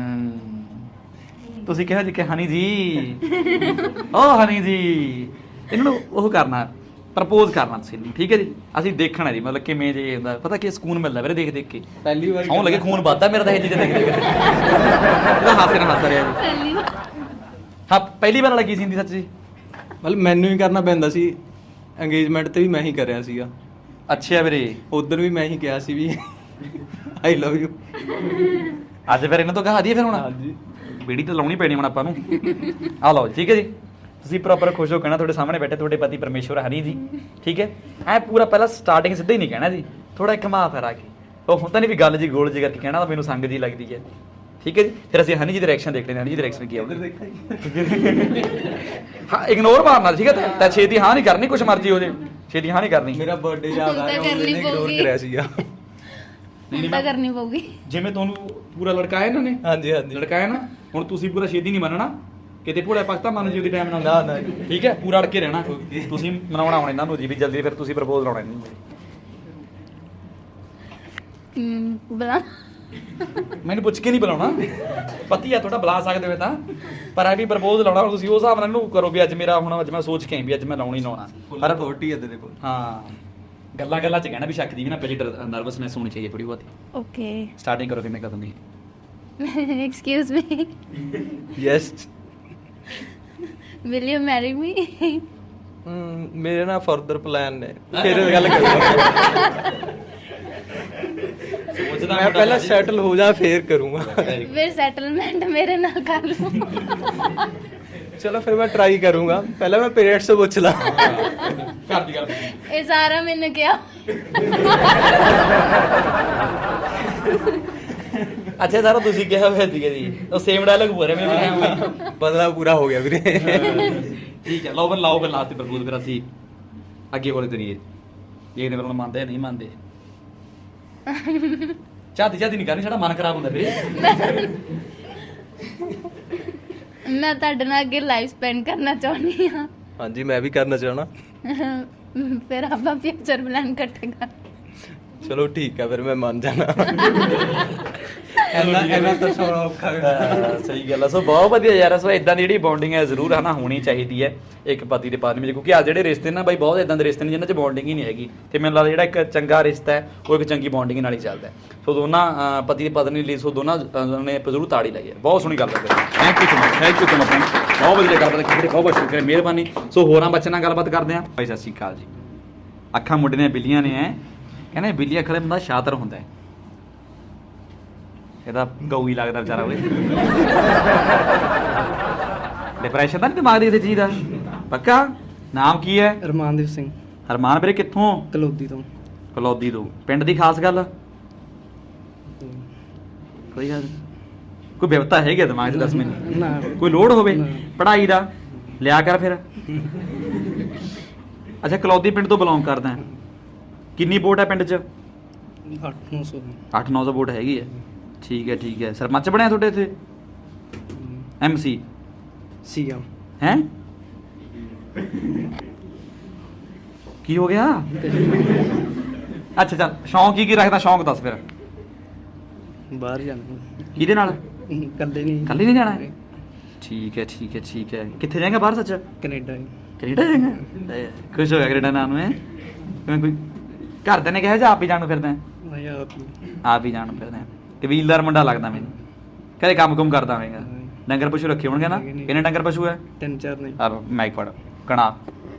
S1: ਤੁਸੀਂ ਕਿਹਾ ਜੀ ਕਿ ਹਨੀ ਜੀ ਓ ਹਨੀ ਜੀ ਇਹਨਾਂ ਨੂੰ ਉਹ ਕਰਨਾ, ਪ੍ਰਪੋਜ਼ ਕਰਨਾ ਤੁਸੀਂ ਇਹਨੂੰ, ਠੀਕ ਹੈ ਜੀ? ਅਸੀਂ ਦੇਖਣਾ ਜੀ ਮਤਲਬ ਕਿਵੇਂ ਜੇ ਹੁੰਦਾ, ਪਤਾ ਕੀ ਸਕੂਨ ਮਿਲਦਾ ਵੀਰੇ ਦੇਖ ਦੇਖ ਕੇ।
S4: ਪਹਿਲੀ ਵਾਰ
S1: ਸੌਂ ਲੱਗੇ ਖੂਨ ਵੱਧਦਾ ਮੇਰਾ ਤਾਂ ਇਹ ਚੀਜ਼ਾਂ ਦੇਖ ਦੇਖ ਕੇ। ਇਹਦਾ ਹਾਸੇ ਨਾਲ ਹੱਸ ਰਿਹਾ ਜੀ।
S2: ਪਹਿਲੀ ਵਾਰ
S1: ਹਾਂ ਪਹਿਲੀ ਵਾਰ ਲੱਗੀ ਸੀ ਹਿੰਦੀ ਸੱਚ ਜੀ?
S4: ਮਤਲਬ ਮੈਨੂੰ ਹੀ ਕਰਨਾ ਪੈਂਦਾ ਸੀ, ਅੰਗੇਜਮੈਂਟ ਤੇ ਵੀ ਮੈਂ ਹੀ ਕਰਿਆ ਸੀਗਾ,
S1: ਅੱਛਾ ਵੀਰੇ।
S4: ਉਧਰ ਵੀ ਮੈਂ ਹੀ ਕਿਹਾ ਸੀ ਵੀ ਆਈ ਲਵ ਯੂ।
S1: ਅੱਜ ਫਿਰ ਇਹਨਾਂ ਤੋਂ ਕਹਾ ਦਈਏ ਫਿਰ ਹੁਣ?
S4: ਹਾਂਜੀ
S1: ਬੀੜੀ ਤਾਂ ਲਾਉਣੀ ਪੈਣੀ ਹੁਣ ਆਪਾਂ ਨੂੰ। ਆ ਲਓ ਜੀ, ਠੀਕ ਹੈ ਜੀ। ਤੁਸੀਂ ਪ੍ਰੋਪਰ ਖੁਸ਼ ਹੋ ਕਹਿਣਾ, ਤੁਹਾਡੇ ਸਾਹਮਣੇ ਬੈਠੇ ਤੁਹਾਡੇ ਪਤੀ ਪਰਮੇਸ਼ਵਰ ਹਨੀ ਜੀ, ਠੀਕ ਹੈ? ਐ ਪੂਰਾ ਪਹਿਲਾਂ ਸਟਾਰਟਿੰਗ ਸਿੱਧਾ ਹੀ ਨਹੀਂ ਕਹਿਣਾ ਜੀ, ਥੋੜਾ ਘੁਮਾ ਫਿਰਾ ਕੇ। ਉਹ ਹੁੰਦਾ ਨਹੀਂ ਵੀ ਗੱਲ ਜੀ ਗੋਲ ਜੀ ਕਰਕੇ ਕਹਿਣਾ ਤਾਂ ਮੈਨੂੰ ਸੰਗ ਜੀ ਲੱਗਦੀ ਹੈ, ਠੀਕ ਹੈ ਜੀ? ਫਿਰ ਅਸੀਂ ਹਨੀ ਜੀ ਦੀ ਰਿਐਕਸ਼ਨ ਦੇਖ ਲੈਂਦੇ, ਹਨੀ ਜੀ ਦੀ ਰਿਐਕਸ਼ਨ ਕੀ ਆਉਂਦੀ। ਹਾਂ ਇਗਨੋਰ ਮਾਰਨਾ, ਠੀਕ ਹੈ? ਤਾਂ ਛੇਤੀ ਹਾਂ ਨਹੀਂ ਕਰਨੀ, ਕੁਛ ਮਰਜ਼ੀ ਹੋ ਜੇ, ਛੇਤੀ ਹਾਂ ਨਹੀਂ ਕਰਨੀ।
S4: ਮੇਰਾ ਬਰਥਡੇ ਯਾਦ ਆ ਰਿਹਾ,
S2: ਕਰਨੀ
S4: ਉਹਨੇ ਇਗਨੋਰ
S2: ਪਊਗੀ।
S4: ਕਰਿਆ ਸੀਗਾ।
S1: ਨਹੀਂ
S2: ਤਾਂ ਕਰਨੀ ਪਊਗੀ।
S1: ਜਿਵੇਂ ਤੁਹਾਨੂੰ ਪੂਰਾ ਲੜਕਾਇਆ ਇਹਨਾਂ ਨੇ,
S4: ਹਾਂਜੀ ਹਾਂਜੀ
S1: ਲੜਕਾਇਆ ਨਾ, ਹੁਣ ਤੁਸੀਂ ਪੂਰਾ ਛੇਤੀ ਨਹੀਂ ਮੰਨਣਾ, ਕਿਤੇ ਭੋਲਾ ਪਾਕਿਸਤਾਨ ਮੰਨ ਜੀ ਉਹਦੀ ਟਾਈਮ ਨਾਲ।
S4: ਨਾ, ਨਾ।
S1: ਠੀਕ ਹੈ, ਪੂਰਾ ਅੜ ਕੇ ਰਹਿਣਾ। ਤੁਸੀਂ ਮਨਾਉਣਾ ਆਉਣਾ ਇਹਨਾਂ ਨੂੰ ਜੀ ਵੀ ਜਲਦੀ, ਫਿਰ ਤੁਸੀਂ ਪ੍ਰਪੋਜ਼ ਲਾਉਣਾ ਇਹਨਾਂ ਨੂੰ।
S2: ਬਲਾ
S1: ਮੈਨੂੰ ਪੁੱਛ ਕੇ ਨਹੀਂ ਬੁਲਾਉਣਾ, ਪਤੀ ਆ ਤੁਹਾਡਾ, ਬੁਲਾ ਸਕਦੇ ਹੋ ਤਾਂ, ਪਰ ਐ ਵੀ ਪ੍ਰਪੋਜ਼ ਲਾਉਣਾ ਹੁਣ ਤੁਸੀਂ ਉਸ ਹਿਸਾਬ ਨਾਲ ਇਹਨੂੰ ਕਰੋ ਵੀ ਅੱਜ ਮੇਰਾ ਹੁਣ ਅੱਜ ਮੈਂ ਸੋਚ ਕੇ ਆਈ ਵੀ ਅੱਜ ਮੈਂ ਲਾਉਣੀ ਲਾਉਣਾ।
S4: ਪਰ ਅਥਾਰਟੀ ਹੈ ਤੇਰੇ ਕੋਲ।
S1: ਹਾਂ ਗੱਲਾਂ ਗੱਲਾਂ ਚ ਕਹਿਣਾ ਵੀ ਸ਼ੱਕ ਦੀ ਵੀ ਨਾ ਪਈ, ਨਰਵਸਨੈਸ ਹੋਣੀ ਚਾਹੀਏ ਥੋੜੀ ਬਹੁਤੀ।
S2: ਓਕੇ
S1: ਸਟਾਰਟਿੰਗ ਕਰੋ ਕਿਵੇਂ ਕਦੋਂ ਦੀ?
S2: Excuse me,
S4: yes.
S2: Will you marry me?
S4: ਮੇਰੇ ਨਾਲ ਫਰਦਰ ਪਲਾਨ ਨੇ, ਫਿਰ ਗੱਲ ਕਰਾਂਗੇ। ਮੈਂ ਪਹਿਲਾਂ ਸੈਟਲ ਹੋ ਜਾ ਫੇਰ ਕਰੂੰਗਾ।
S2: ਫਿਰ ਸੈਟਲਮੈਂਟ ਮੇਰੇ ਨਾਲ ਕਰ ਲਓ।
S4: ਚਲੋ ਫਿਰ ਮੈਂ ਟਰਾਈ ਕਰੂੰਗਾ, ਪਹਿਲਾਂ ਮੈਂ ਪੇਰੈਂਟਸ ਤੋਂ ਪੁੱਛ ਲਾਂ।
S1: ਕਰਦੀ ਗੱਲ।
S2: ਇਹ ਸਾਰਾ ਮੈਨੂੰ ਕਿਹਾ।
S1: ਅੱਛਾ ਸਾਰਾ ਤੁਸੀਂ ਕਿਹਾ ਹੋਇਆ ਸੀਗਾ ਜੀ, ਉਹ ਸੇਮ ਡਾਇਲੌਗ ਬੋਲ ਰਿਹਾ ਮੇਰੇ।
S4: ਬਦਲਾ ਪੂਰਾ ਹੋ ਗਿਆ ਵੀਰੇ।
S1: ਠੀਕ ਹੈ, ਲਓ ਫਿਰ ਲਾਓ ਫਿਰ ਲਾਸਟ ਤੇ ਪ੍ਰਪੋਜ਼ ਫਿਰ ਅਸੀਂ ਅੱਗੇ ਬੋਲੇ ਤਰੀਏ ਇਹ ਨੇ ਫਿਰ ਹੁਣ ਮੰਨਦੇ ਨਹੀਂ ਮੰਨਦੇ। ਚਾਹਤੀ ਚਾਹਤੀ ਨਹੀਂ ਕਰਨੀ, ਸਾਡਾ ਮਨ ਖਰਾਬ ਹੁੰਦਾ ਵੀਰੇ।
S2: ਮੈਂ ਤੁਹਾਡੇ ਨਾਲ ਅੱਗੇ ਲਾਈਫ ਸਪੈਂਡ ਕਰਨਾ ਚਾਹੁੰਦੀ ਹਾਂ।
S4: ਹਾਂਜੀ ਮੈਂ ਵੀ ਕਰਨਾ ਚਾਹਣਾ।
S2: ਫਿਰ ਆਪਾਂ ਫਿਊਚਰ ਪਲਾਨ ਕੱਟੇਗਾ।
S4: ਚਲੋ ਠੀਕ ਹੈ, ਫਿਰ ਮੈਂ ਮੰਨ ਜਾਣਾ। ਇਹਨਾਂ ਤਾਂ ਸੋਣਾ ਔਖਾ ਹੈ।
S1: ਸਹੀ ਗੱਲ ਆ। ਸੋ ਬਹੁਤ ਵਧੀਆ ਯਾਰ, ਸੋ ਇਦਾਂ ਦੀ ਜਿਹੜੀ ਬੌਂਡਿੰਗ ਹੈ ਜ਼ਰੂਰ ਹੈ ਨਾ ਹੋਣੀ ਚਾਹੀਦੀ ਹੈ ਇੱਕ ਪਤੀ ਤੇ ਪਤਨੀ ਵਿੱਚ, ਕਿਉਂਕਿ ਆ ਜਿਹੜੇ ਰਿਸ਼ਤੇ ਨਾ ਬਾਈ ਬਹੁਤ ਇਦਾਂ ਦੇ ਰਿਸ਼ਤੇ ਨੇ ਜਿਨ੍ਹਾਂ 'ਚ ਬੌਂਡਿੰਗ ਹੀ ਨਹੀਂ ਹੈਗੀ, ਤੇ ਮੈਨੂੰ ਲੱਗਦਾ ਜਿਹੜਾ ਇੱਕ ਚੰਗਾ ਰਿਸ਼ਤਾ ਹੈ ਉਹ ਇੱਕ ਚੰਗੀ ਬੌਂਡਿੰਗ ਨਾਲ ਹੀ ਚੱਲਦਾ ਹੈ। ਸੋ ਦੋਨਾਂ ਪਤੀ ਤੇ ਪਤਨੀ ਲਈ ਸੋ ਦੋਨਾਂ ਨੇ ਜ਼ਰੂਰ ਤਾੜੀ ਲਾਈ ਹੈ। ਬਹੁਤ ਸੋਹਣੀ ਗੱਲ ਹੈ। Thank you so much, thank you so much. ਬਹੁਤ ਵਧੀਆ ਗੱਲਬਾਤ ਕੀਤੀ, ਬਹੁਤ ਬਹੁਤ ਸ਼ੁਕਰੀਆ, ਮਿਹਰਬਾਨੀ। ਸੋ ਹੋਰਾਂ ਬੱਚਿਆਂ ਨਾਲ ਗੱਲਬਾਤ ਕਰਦੇ ਹਾਂ। ਭਾਈ ਸਤਿ ਸ਼੍ਰੀ ਅਕਾਲ ਜੀ। ਅੱਖਾਂ ਮੁੰਡੇ ਦੀਆਂ ਬਿੱਲੀਆਂ ਨੇ ਐ, ਕਹਿੰਦੇ ਬਿੱਲੀ ਅੱਖਾਂ ਦੇ ਬੰਦਾ ਸ਼ਾਤਰ ਹੁੰਦਾ ਹੈ। ਇਹਦਾ ਗਊ ਹੀ ਲੱਗਦਾ ਵਿਚਾਰਾ ਓਏ। ਡਿਪਰੈਸ਼ਨ ਤਾਂ ਨਹੀਂ ਦਿਮਾਗ ਦੀ ਕਿਸੇ ਚੀਜ਼ ਦਾ? ਪੱਕਾ? ਨਾਮ ਕੀ ਹੈ?
S5: ਰਮਾਨਦੀਪ ਸਿੰਘ,
S1: ਹਰਮਾਨ ਵੀਰੇ ਕਿੱਥੋਂ?
S5: ਕਲੌਦੀ ਤੋਂ।
S1: ਕਲੌਦੀ ਤੋਂ। ਪਿੰਡ ਦੀ ਖਾਸ ਗੱਲ? ਕੋਈ ਗੱਲ ਕੋਈ ਬਿਵਤਾ ਹੈਗੀ ਦਿਮਾਗ 'ਚ? ਦੱਸ ਮੈਨੂੰ।
S5: ਨਾ
S1: ਕੋਈ ਲੋੜ ਹੋਵੇ
S5: ਨਾ।
S1: ਪੜ੍ਹਾਈ ਦਾ ਲਿਆ ਕਰ ਫਿਰ। ਅੱਛਾ ਕਲੌਦੀ ਪਿੰਡ ਤੋਂ ਬਿਲੋਂਗ ਕਰਦਾ ਹੈ। ਕਿੰਨੀ ਵੋਟ ਹੈ ਪਿੰਡ 'ਚ?
S5: 8-900
S1: 8-900 ਵੋਟ ਹੈਗੀ ਹੈ। ਠੀਕ ਹੈ ਠੀਕ ਹੈ। ਸਰਪੰਚ ਬਣਿਆ ਤੁਹਾਡੇ ਇੱਥੇ? MC
S5: ਸੀਐਮ
S1: ਹੈ? ਕੀ ਹੋ ਗਿਆ? ਅੱਛਾ ਚੱਲ, ਸ਼ੌਂਕ ਕੀ ਰੱਖਦਾ? ਸ਼ੌਂਕ ਦੱਸ ਫਿਰ।
S5: ਬਾਹਰ ਜਾਣਾ,
S1: ਕਿਹਦੇ ਨਾਲ?
S5: ਕੱਲੇ ਨਹੀਂ,
S1: ਕੱਲੇ ਨਹੀਂ ਜਾਣਾ? ਠੀਕ ਹੈ ਠੀਕ ਹੈ ਠੀਕ ਹੈ। ਕਿੱਥੇ ਜਾਏਗਾ ਬਾਹਰ ਸੱਚ?
S5: ਕੈਨੇਡਾ।
S1: ਕੈਨੇਡਾ ਜਾਏਗਾ? ਖੁਸ਼ ਹੋ ਗਿਆ ਕੈਨੇਡਾ ਨਾਮ ਨੂੰ? ਕਿਵੇਂ ਕੋਈ ਘਰਦਿਆਂ ਨੇ ਕਿਹਾ ਜਾਂ ਆਪ ਹੀ ਜਾਣ ਨੂੰ ਫਿਰਦਾ?
S5: ਮੈਂ
S1: ਆਪ ਹੀ ਜਾਣ ਨੂੰ ਫਿਰਦਾ। ਕਬੀਲਦਾਰ ਮੁੰਡਾ ਲੱਗਦਾ ਮੈਨੂੰ, ਕਦੇ ਕੰਮ ਕੁਮ ਕਰਦਾ ਹੋਵੇਗਾ। ਡੰਗਰ ਪਸ਼ੂ ਰੱਖੇ ਹੋਣਗੇ ਨਾ? ਕਿੰਨੇ ਡੰਗਰ ਪਸ਼ੂ ਹੈ?
S5: 3-4 ਨਹੀਂ,
S1: ਆ ਮਾਈਕ ਫੜ। ਕਣਾ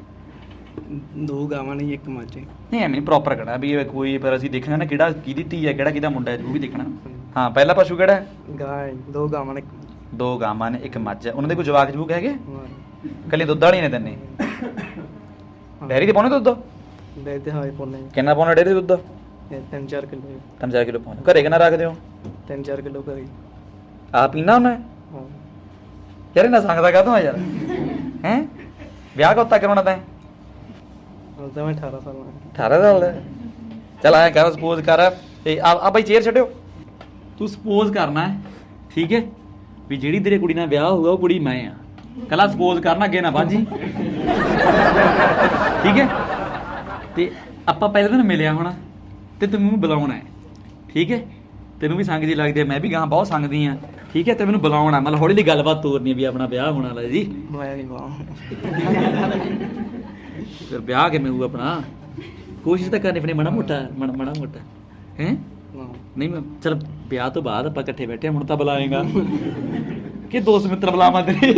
S5: 2 ਗਾਵਾਂ ਨਹੀਂ, 1 ਮੱਝ।
S1: ਨਹੀਂ ਐਵੇਂ ਪ੍ਰੋਪਰ ਕਣਾ ਵੀ ਇਹ ਕੋਈ, ਪਰ ਅਸੀਂ ਦੇਖਣਾ ਨਾ ਕਿਹੜਾ ਕਿਹਦੀ ਧੀ ਹੈ, ਕਿਹੜਾ ਕਿਹਦਾ ਮੁੰਡਾ ਹੈ, ਉਹ ਵੀ ਦੇਖਣਾ। ਹਾਂ ਪਹਿਲਾ ਪਸ਼ੂ ਕਿਹੜਾ ਹੈ?
S5: ਗਾਂ 2 ਗਾਵਾਂ ਨੇ,
S1: 2 ਗਾਵਾਂ ਨੇ, 1 ਮੱਝ ਹੈ। ਉਹਨਾਂ ਦੇ ਕੋਈ ਜਵਾਕ ਜਵੂਕ ਹੈਗੇ? ਕੱਲੇ ਦੁੱਧ ਵਾਲੀ ਨੇ ਤੈਨੇ? ਡੈਰੀ ਤੇ ਪਾਉਣੇ ਦੁੱਧ?
S5: ਦੇ ਤੇ ਹਾਏ ਪੋਨੇ
S1: ਕਿੰਨਾ ਪਾਉਣਾ ਡੈਰੀ ਦੇ ਦੁੱਧ?
S5: ਇਹ 3-4 ਕਿਲੋ
S1: 3-4 ਕਿਲੋ ਪਾਉਂਦੇ ਹੋ। ਘਰੇ ਕਿੰਨਾ ਰੱਖਦੇ ਹੋ?
S5: 3-4 ਕਿਲੋ ਕਰੀ
S1: ਆ ਪੀਣਾ ਹੁੰਦਾ ਹੈ?
S5: ਹਾਂ
S1: ਯਾਰ ਇਹਨਾਂ ਸੰਗਦਾ ਕਾਹਤੋਂ ਆ ਯਾਰ ਹੈ? ਵਿਆਹ ਕਦੋਂ ਤੱਕ ਕਰਾਉਣਾ ਤੈਂ?
S5: ਹੁਣ ਤਾਂ ਮੈਂ 18 ਸਾਲ ਦਾ
S1: 18 ਸਾਲ ਦਾ? ਚੱਲ ਐਂ ਕਰ, ਸਪੋਜ਼ ਕਰ ਇਹ ਆ ਬਾਈ ਚੇਅਰ ਛੱਡਿਓ। ਤੂੰ ਸਪੋਜ਼ ਕਰਨਾ ਹੈ, ਠੀਕ ਹੈ, ਵੀ ਜਿਹੜੀ ਤੇਰੇ ਕੁੜੀ ਨਾਲ ਵਿਆਹ ਹੋਊਗਾ ਉਹ ਕੁੜੀ ਮੈਂ ਆ। ਕੱਲਾ ਸਪੋਜ਼ ਕਰਨਾ, ਅੱਗੇ ਨਾ ਬਾਜੀ, ਠੀਕ ਹੈ? ਤੇ ਆਪਾਂ ਪਹਿਲੇ ਦਿਨ ਮਿਲਿਆ ਹੋਣਾ ਤੇ ਤੂੰ ਮੈਨੂੰ ਬੁਲਾਉਣਾ ਹੈ, ਠੀਕ ਹੈ? ਤੈਨੂੰ ਵੀ ਸੰਗ ਜੀ ਲੱਗਦੀ ਹੈ, ਮੈਂ ਵੀ ਗਾਂ ਬਹੁਤ ਸੰਗਦੀ ਆ, ਠੀਕ ਹੈ? ਤੇ ਮੈਨੂੰ ਬੁਲਾਉਣਾ, ਮਤਲਬ ਹੌਲੀ ਹੌਲੀ ਗੱਲਬਾਤ ਤੋਰਨੀ ਵੀ ਆਪਣਾ ਵਿਆਹ ਹੋਣ ਵਾਲਾ ਜੀ।
S5: ਦਵਾਇਆ ਨਹੀਂ ਬਾਹ
S1: ਫਿਰ ਵਿਆਹ ਕਿਵੇਂ ਹੋਊ ਆਪਣਾ? ਕੋਸ਼ਿਸ਼ ਤਾਂ ਕਰਨੀ ਪੈਣੀ, ਮਾੜਾ ਮੋਟਾ ਹੈ। ਨਹੀਂ ਮੈਂ ਚਲ ਵਿਆਹ ਤੋਂ ਬਾਅਦ ਆਪਾਂ ਇਕੱਠੇ ਬੈਠੇ, ਹੁਣ ਤਾਂ ਬੁਲਾਏਗਾ ਕਿ ਦੋਸਤ ਮਿੱਤਰ ਬੁਲਾਵਾਂ ਤੇਰੇ?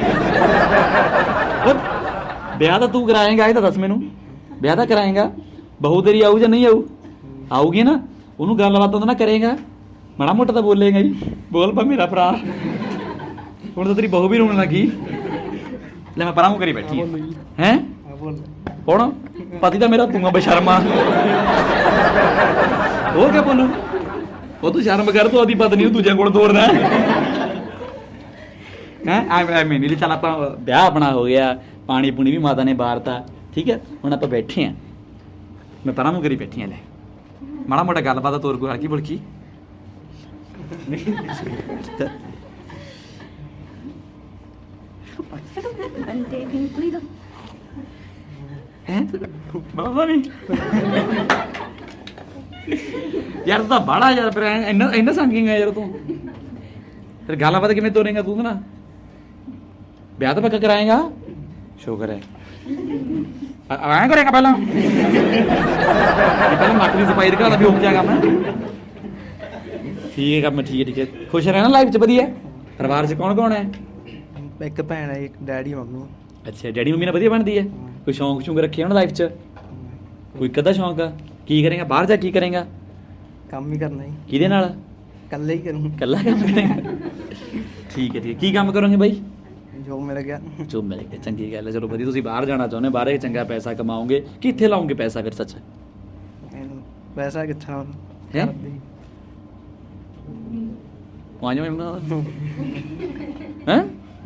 S1: ਵਿਆਹ ਤਾਂ ਤੂੰ ਕਰਾਏਗਾ, ਇਹ ਤਾਂ ਦੱਸ ਮੈਨੂੰ। ਵਿਆਹ ਤਾਂ ਕਰਾਏਗਾ, ਬਹੂ ਤੇਰੀ ਆਊ ਜਾਂ ਨਹੀਂ ਆਊ? ਆਊਗੀ ਨਾ, ਉਹਨੂੰ ਗੱਲਬਾਤ ਉਹਦੇ ਨਾਲ ਕਰੇਗਾ, ਮਾੜਾ ਮੋਟਾ ਤਾਂ ਬੋਲੇਗਾ ਜੀ। ਬੋਲ ਪਾ ਮੇਰਾ ਭਰਾ, ਹੁਣ ਤਾਂ ਤੇਰੀ ਬਹੂ ਵੀ ਰੋਣ ਲੱਗੀ। ਲੈ ਮੈਂ ਪਰਾਂ ਨੂੰ ਕਰੀ ਬੈਠੀ ਹੈ। ਕੌਣ? ਪਤੀ ਤਾਂ ਮੇਰਾ ਤੂੰ ਆ ਬੇਸ਼ਰਮਾ। ਹੋਰ ਕਿਆ ਬੋਲੂ? ਉਹ ਤੂੰ ਸ਼ਰਮ ਕਰ, ਤੂੰ ਆਦੀ ਪਤਨੀ ਨੂੰ ਦੂਜਿਆਂ ਕੋਲ ਤੋਰਨਾ ਹੈ। ਐਵੇਂ ਨਹੀਂ, ਚੱਲ ਆਪਾਂ ਵਿਆਹ ਆਪਣਾ ਹੋ ਗਿਆ, ਪਾਣੀ ਪੂਣੀ ਵੀ ਮਾਤਾ ਨੇ ਬਾਰਤਾ, ਠੀਕ ਹੈ? ਹੁਣ ਆਪਾਂ ਬੈਠੇ ਆ, ਮੈਂ ਪਰਾਂ ਨੂੰ ਕਰੀ ਬੈਠੀ ਆ। ਲੈ ਮਾੜਾ ਮੋਟਾ ਗੱਲਬਾਤ ਤੋਰ ਕੋਈ ਹਲਕੀ ਬੁਲਕੀ। ਬਾਬਾ ਨਹੀਂ ਯਾਰ, ਤੂੰ ਤਾਂ ਬਾੜਾ ਯਾਰ, ਫਿਰ ਇੰਨਾ ਸੰਗਿੰਗ ਹੈ ਯਾਰ ਤੂੰ। ਫਿਰ ਗੱਲਬਾਤ ਕਿਵੇਂ ਤੋਰੇਂਗਾ ਤੂੰ ਨਾ? ਵਿਆਹ ਤਾਂ ਪੱਕਾ ਕਰਾਏਗਾ? ਸ਼ੁਕਰ ਹੈ। ਐਂ ਕਰੇਗਾ ਪਹਿਲਾਂ ਨੱਕ ਦੀ ਸਫਾਈ ਦਿਖਾ ਵੀ ਹੋ ਜਾਏਗਾ ਮੈਂ। ਠੀਕ ਹੈ ਕੰਮ, ਠੀਕ ਹੈ। ਖੁਸ਼ ਰਹਿਣਾ ਲਾਈਫ 'ਚ? ਵਧੀਆ। ਪਰਿਵਾਰ 'ਚ ਕੌਣ ਕੌਣ ਹੈ?
S5: ਇੱਕ ਭੈਣ ਹੈ, ਇੱਕ ਡੈਡੀ ਮੰਮੀ।
S1: ਅੱਛਾ, ਡੈਡੀ ਮੰਮੀ ਨਾਲ ਵਧੀਆ ਬਣਦੀ ਹੈ? ਕੋਈ ਸ਼ੌਂਕ ਸ਼ੌਂਕ ਰੱਖੇ ਹੁਣ ਲਾਈਫ 'ਚ? ਕੋਈ ਕਦਾ ਸ਼ੌਂਕ ਆ? ਕੀ ਕਰੇਗਾ ਬਾਹਰ ਜਾ, ਕੀ ਕਰੇਗਾ?
S5: ਕੰਮ ਹੀ ਕਰਨਾ ਜੀ।
S1: ਕਿਹਦੇ ਨਾਲ?
S5: ਇਕੱਲੇ ਹੀ ਕਰੂੰ।
S1: ਇਕੱਲਾ ਕੰਮ ਕਰੇਗਾ? ਠੀਕ ਹੈ, ਕੀ ਕੰਮ ਕਰੋਗੇ ਬਾਈ?
S5: ਜੋ ਮਿਲ ਗਿਆ।
S1: ਜੋ ਮਿਲ ਗਿਆ, ਚੰਗੀ ਗੱਲ ਹੈ। ਚਲੋ ਵਧੀਆ, ਤੁਸੀਂ ਬਾਹਰ ਜਾਣਾ ਚਾਹੁੰਦੇ, ਬਾਹਰ ਇੱਕ ਚੰਗਾ ਪੈਸਾ ਕਮਾਓਗੇ। ਕਿੱਥੇ ਲਾਓਗੇ ਪੈਸਾ ਫਿਰ? ਸੱਚ
S5: ਪੈਸਾ ਕਿੱਥਾ
S1: ਹੈ? ਵਾਂਜੋ ਮੈਂ ਹੈ